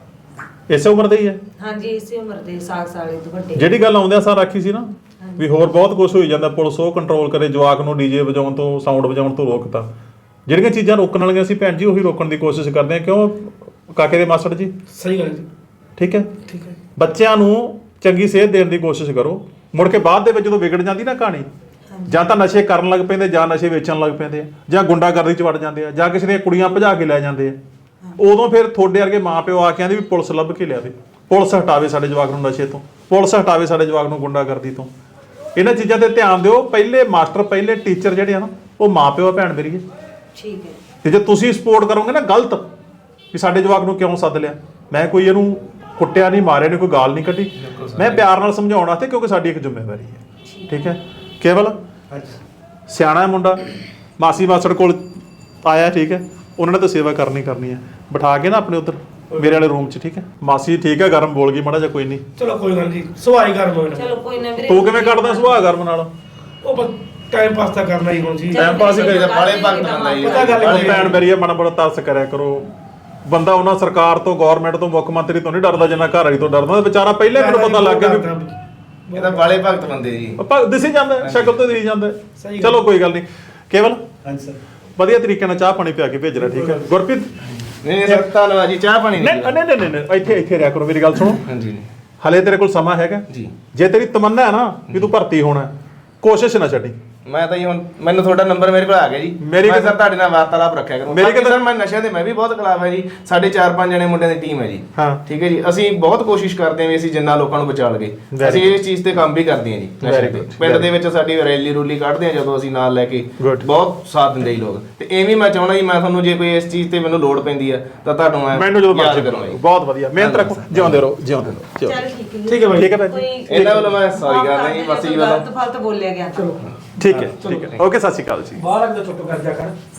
Speaker 1: ਇਸੇ ਉਮਰ ਦੇ ਹੀ ਆ?
Speaker 6: ਹਾਂਜੀ ਇਸੇ ਉਮਰ ਦੇ, ਸਾਲ ਸਾਲੇ ਤੋਂ ਵੱਡੇ।
Speaker 1: ਜਿਹੜੀ ਗੱਲ ਆਉਂਦਿਆਂ ਸਾਰ ਆਖੀ ਸੀ ਨਾ ਵੀ ਹੋਰ ਬਹੁਤ ਕੁਝ ਹੋਈ ਜਾਂਦਾ, ਪੁਲਿਸ ਉਹ ਕੰਟਰੋਲ ਕਰੇ, ਜਵਾਕ ਨੂੰ ਡੀਜੇ ਵਜਾਉਣ ਤੋਂ, ਸਾਊਂਡ ਵਜਾਉਣ ਤੋਂ ਰੋਕਤਾ। ਜਿਹੜੀਆਂ ਚੀਜ਼ਾਂ ਰੋਕਣ ਵਾਲੀਆਂ ਸੀ ਭੈਣ ਜੀ ਉਹੀ ਰੋਕਣ ਦੀ ਕੋਸ਼ਿਸ਼ ਕਰਦੇ ਆ। ਕਿਉਂ ਕਾਕੇ ਦੇ ਮਾਸੜ ਜੀ?
Speaker 7: ਸਹੀ ਗੱਲ ਜੀ।
Speaker 1: ਠੀਕ ਹੈ,
Speaker 7: ਠੀਕ ਹੈ।
Speaker 1: ਬੱਚਿਆਂ ਨੂੰ ਚੰਗੀ ਸਿਹਤ ਦੇਣ ਦੀ ਕੋਸ਼ਿਸ਼ ਕਰੋ। ਮੁੜ ਕੇ ਬਾਅਦ ਦੇ ਵਿੱਚ ਜਦੋਂ ਵਿਗੜ ਜਾਂਦੀ ਨਾ ਕਹਾਣੀ, ਜਾਂ ਤਾਂ ਨਸ਼ੇ ਕਰਨ ਲੱਗ ਪੈਂਦੇ, ਜਾਂ ਨਸ਼ੇ ਵੇਚਣ ਲੱਗ ਪੈਂਦੇ ਆ, ਜਾਂ ਗੁੰਡਾਗਰਦੀ 'ਚ ਵੜ ਜਾਂਦੇ ਆ, ਜਾਂ ਕਿਸੇ ਦੀਆਂ ਕੁੜੀਆਂ ਭਜਾ ਕੇ ਲੈ ਜਾਂਦੇ ਆ, ਉਦੋਂ ਫਿਰ ਤੁਹਾਡੇ ਵਰਗੇ ਮਾਂ ਪਿਓ ਆ ਕੇ ਆਂਦੇ ਵੀ ਪੁਲਿਸ ਲੱਭ ਕੇ ਲਿਆਵੇ, ਪੁਲਿਸ ਹਟਾਵੇ ਸਾਡੇ ਜਵਾਕ ਨੂੰ ਨਸ਼ੇ ਤੋਂ, ਪੁਲਿਸ ਹਟਾਵੇ ਸਾਡੇ ਜਵਾਕ ਨੂੰ ਗੁੰਡਾਗਰਦੀ ਤੋਂ। ਇਹਨਾਂ ਚੀਜ਼ਾਂ ਤੇ ਧਿਆਨ ਦਿਓ। ਪਹਿਲੇ ਮਾਸਟਰ, ਪਹਿਲੇ ਟੀਚਰ ਜਿਹੜੇ ਆ ਨਾ ਉਹ ਮਾਂ ਪਿਓ ਆ ਭੈਣ ਮੇਰੀ।
Speaker 6: ਠੀਕ ਹੈ।
Speaker 1: ਤੇ ਜੇ ਤੁਸੀਂ ਸਪੋਰਟ ਕਰੋਗੇ ਨਾ ਗਲਤ ਵੀ ਸਾਡੇ ਜਵਾਕ ਨੂੰ ਕਿਉਂ ਸੱਦ ਲਿਆ, ਮੈਂ ਕੋਈ ਇਹਨੂੰ ਕੁੱਟਿਆ ਨਹੀਂ, ਮਾਰਿਆ ਨਹੀਂ, ਕੋਈ ਗਾਲ ਨਹੀਂ ਕੱਢੀ, ਮੈਂ ਪਿਆਰ ਨਾਲ ਸਮਝਾਉਣ ਵਾਸਤੇ, ਕਿਉਂਕਿ ਸਾਡੀ ਇੱਕ ਜ਼ਿੰਮੇਵਾਰੀ ਹੈ। ਠੀਕ ਹੈ। ਕੇਵਲ ਸਿਆਣਾ ਮੁੰਡਾ ਮਾਸੀ ਮਾਸੜ ਕੋਲ ਆਇਆ, ਠੀਕ ਹੈ, ਉਹਨਾਂ ਨੇ ਤਾਂ ਸੇਵਾ ਕਰਨੀ ਕਰਨੀ ਹੈ। ਬਿਠਾ ਕੇ ਨਾ ਆਪਣੇ ਉੱਧਰ ਮੇਰੇ ਵਾਲੇ ਰੂਮ 'ਚ, ਠੀਕ ਹੈ। ਮਾਸੀ ਠੀਕ ਹੈ, ਗਰਮ ਬੋਲ ਗਈ ਮਾੜਾ ਜਿਹਾ, ਕੋਈ ਨਹੀਂ,
Speaker 7: ਚਲੋ ਕੋਈ ਗੱਲ ਨਹੀਂ, ਸੁਹਾਈ ਗਰਮ ਹੋਣਾ।
Speaker 6: ਚਲੋ ਕੋਈ ਨਾ ਵੀਰੇ।
Speaker 1: ਤੂੰ ਕਿਵੇਂ ਕੱਢਦਾ ਸੁਭਾਅ ਗਰਮ ਨਾਲ?
Speaker 7: ਉਹ ਬਸ ਟਾਈਮ ਪਾਸ ਤਾਂ ਕਰਨਾ ਹੀ ਹੁਣ ਜੀ,
Speaker 1: ਟਾਈਮ ਪਾਸ ਹੀ ਕਰੀਦਾ।
Speaker 2: ਬਾਲੇ ਭਗਤ ਬੰਦਾ ਜੀ।
Speaker 7: ਪਤਾ ਗੱਲ
Speaker 1: ਉਹ ਭੈਣ ਮੇਰੀ ਮਾੜਾ ਬੜਾ ਤਰਸ ਕਰਿਆ ਕਰੋ। ਬੰਦਾ ਉਹਨਾਂ ਸਰਕਾਰ ਤੋਂ, ਗਵਰਨਮੈਂਟ ਤੋਂ, ਮੁੱਖ ਮੰਤਰੀ ਤੋਂ ਨਹੀਂ ਡਰਦਾ ਜਿੰਨਾ ਘਰ ਵਾਲੀ ਤੋਂ ਡਰਦਾ। ਵਿਚਾਰਾ ਪਹਿਲੇ ਮੈਨੂੰ ਪਤਾ ਲੱਗ ਗਿਆ ਵੀ
Speaker 2: ਇਹ ਤਾਂ ਬਾਲੇ ਭਗਤ ਬੰਦੇ ਜੀ,
Speaker 1: ਆਪਾਂ ਦਿਸੀ ਜਾਂਦਾ, ਸ਼ਕਲ ਤੋਂ ਦਿਸੀ ਜਾਂਦਾ। ਚਲੋ ਕੋਈ ਗੱਲ ਨਹੀਂ। ਕੇਵਲ
Speaker 3: ਹਾਂਜੀ ਸਰ,
Speaker 1: ਵਧੀਆ ਤਰੀਕੇ ਨਾਲ ਚਾਹ ਪਾਣੀ ਪਿਆ ਕੇ ਭੇਜਣਾ, ਠੀਕ ਹੈ। ਗੁਰਪ੍ਰੀਤ
Speaker 2: ਨਹੀਂ ਸਰ ਧੰਨਵਾਦ ਜੀ। ਚਾਹ ਪਾਣੀ
Speaker 1: ਨਹੀਂ ਨਹੀਂ ਨਹੀਂ ਨਹੀਂ, ਇੱਥੇ ਇੱਥੇ ਰਿਹਾ ਕਰੋ, ਮੇਰੀ ਗੱਲ ਸੁਣੋ।
Speaker 2: ਹਾਂਜੀ
Speaker 1: ਹਲੇ ਤੇਰੇ ਕੋਲ ਸਮਾਂ ਹੈਗਾ
Speaker 2: ਜੀ।
Speaker 1: ਜੇ ਤੇਰੀ ਤਮੰਨਾ ਹੈ ਨਾ ਵੀ ਤੂੰ ਭਰਤੀ ਹੋਣਾ, ਕੋਸ਼ਿਸ਼ ਨਾ ਛੱਡੀ।
Speaker 2: ਮੈਂ ਤਾਂ ਜੀ ਹੁਣ ਮੈਨੂੰ ਤੁਹਾਡਾ ਨੰਬਰ ਮੇਰੇ ਕੋਲ ਆ ਗਿਆ ਜੀ, ਮੈਂ ਸਰ ਤੁਹਾਡੇ ਨਾਲ ਵਾਰਤਾਲਾਪ ਰੱਖਿਆ ਕਰੂੰ।
Speaker 1: ਮੇਰੀ
Speaker 2: ਸਰ ਮੈਂ ਨਸ਼ਿਆਂ ਦੇ ਮੈਂ ਵੀ ਬਹੁਤ ਖਿਲਾਫ ਹੈ ਜੀ। ਸਾਡੇ ਚਾਰ ਪੰਜ ਜਣੇ ਮੁੰਡਿਆਂ ਦੀ ਟੀਮ ਹੈ ਜੀ,
Speaker 1: ਹਾਂ ਠੀਕ
Speaker 2: ਹੈ ਜੀ। ਅਸੀਂ ਬਹੁਤ ਕੋਸ਼ਿਸ਼ ਕਰਦੇ ਹਾਂ ਵੀ ਅਸੀਂ ਜਿੰਨਾ ਲੋਕਾਂ ਨੂੰ ਬਚਾ ਲਈਏ। ਅਸੀਂ ਇਸ ਚੀਜ਼ ਤੇ ਕੰਮ ਵੀ ਕਰਦੇ ਹਾਂ ਜੀ ਨਸ਼ੇ ਤੇ। ਪਿੰਡ ਦੇ ਵਿੱਚ ਸਾਡੀ ਰੈਲੀ ਰੂਲੀ ਕੱਢਦੇ ਹਾਂ ਜਦੋਂ ਅਸੀਂ ਨਾਲ ਲੈ ਕੇ, ਬਹੁਤ ਸਾਥ ਦਿੰਦੇ ਜੀ ਲੋਕ। ਤੇ ਐਵੇਂ ਮੈਂ ਚਾਹੁੰਦਾ ਜੀ, ਮੈਂ ਤੁਹਾਨੂੰ ਜੇ ਕੋਈ ਇਸ ਚੀਜ਼ ਤੇ ਮੈਨੂੰ ਲੋੜ ਪੈਂਦੀ ਆ ਤਾਂ ਤੁਹਾਨੂੰ ਮੈਂ
Speaker 1: ਮੈਨੂੰ ਜਦੋਂ
Speaker 2: ਯਾਦ ਕਰੂੰਗਾ ਜੀ।
Speaker 1: ਬਹੁਤ ਵਧੀਆ, ਮਿਹਨਤ ਰੱਖੋ, ਜਿਉਂਦੇ ਰਹੋ, ਜਿਉਂਦੇ ਰਹੋ।
Speaker 6: ਚੱਲ ਠੀਕ ਹੈ।
Speaker 1: ਠੀਕ ਹੈ ਭਾਈ, ਠੀਕ ਹੈ ਭਾਈ।
Speaker 2: ਇਹਨਾਂ ਵੱਲੋਂ ਮੈਂ ਸੌਰੀ ਕਰਦਾ ਜੀ, ਬਸ ਜੀ ਵੱਲੋਂ।
Speaker 6: ਗਲਤ ਫਲਤ ਬੋਲਿਆ ਗਿਆ ਤਾਂ।
Speaker 1: ਠੀਕ ਹੈ, ਠੀਕ ਹੈ। ਓਕੇ, ਸਤਿ ਸ਼੍ਰੀ ਅਕਾਲ ਜੀ।
Speaker 7: ਬਾਹਰ ਅੰਦਰ ਚੁੱਪ ਕਰ ਜਾ ਕਰ।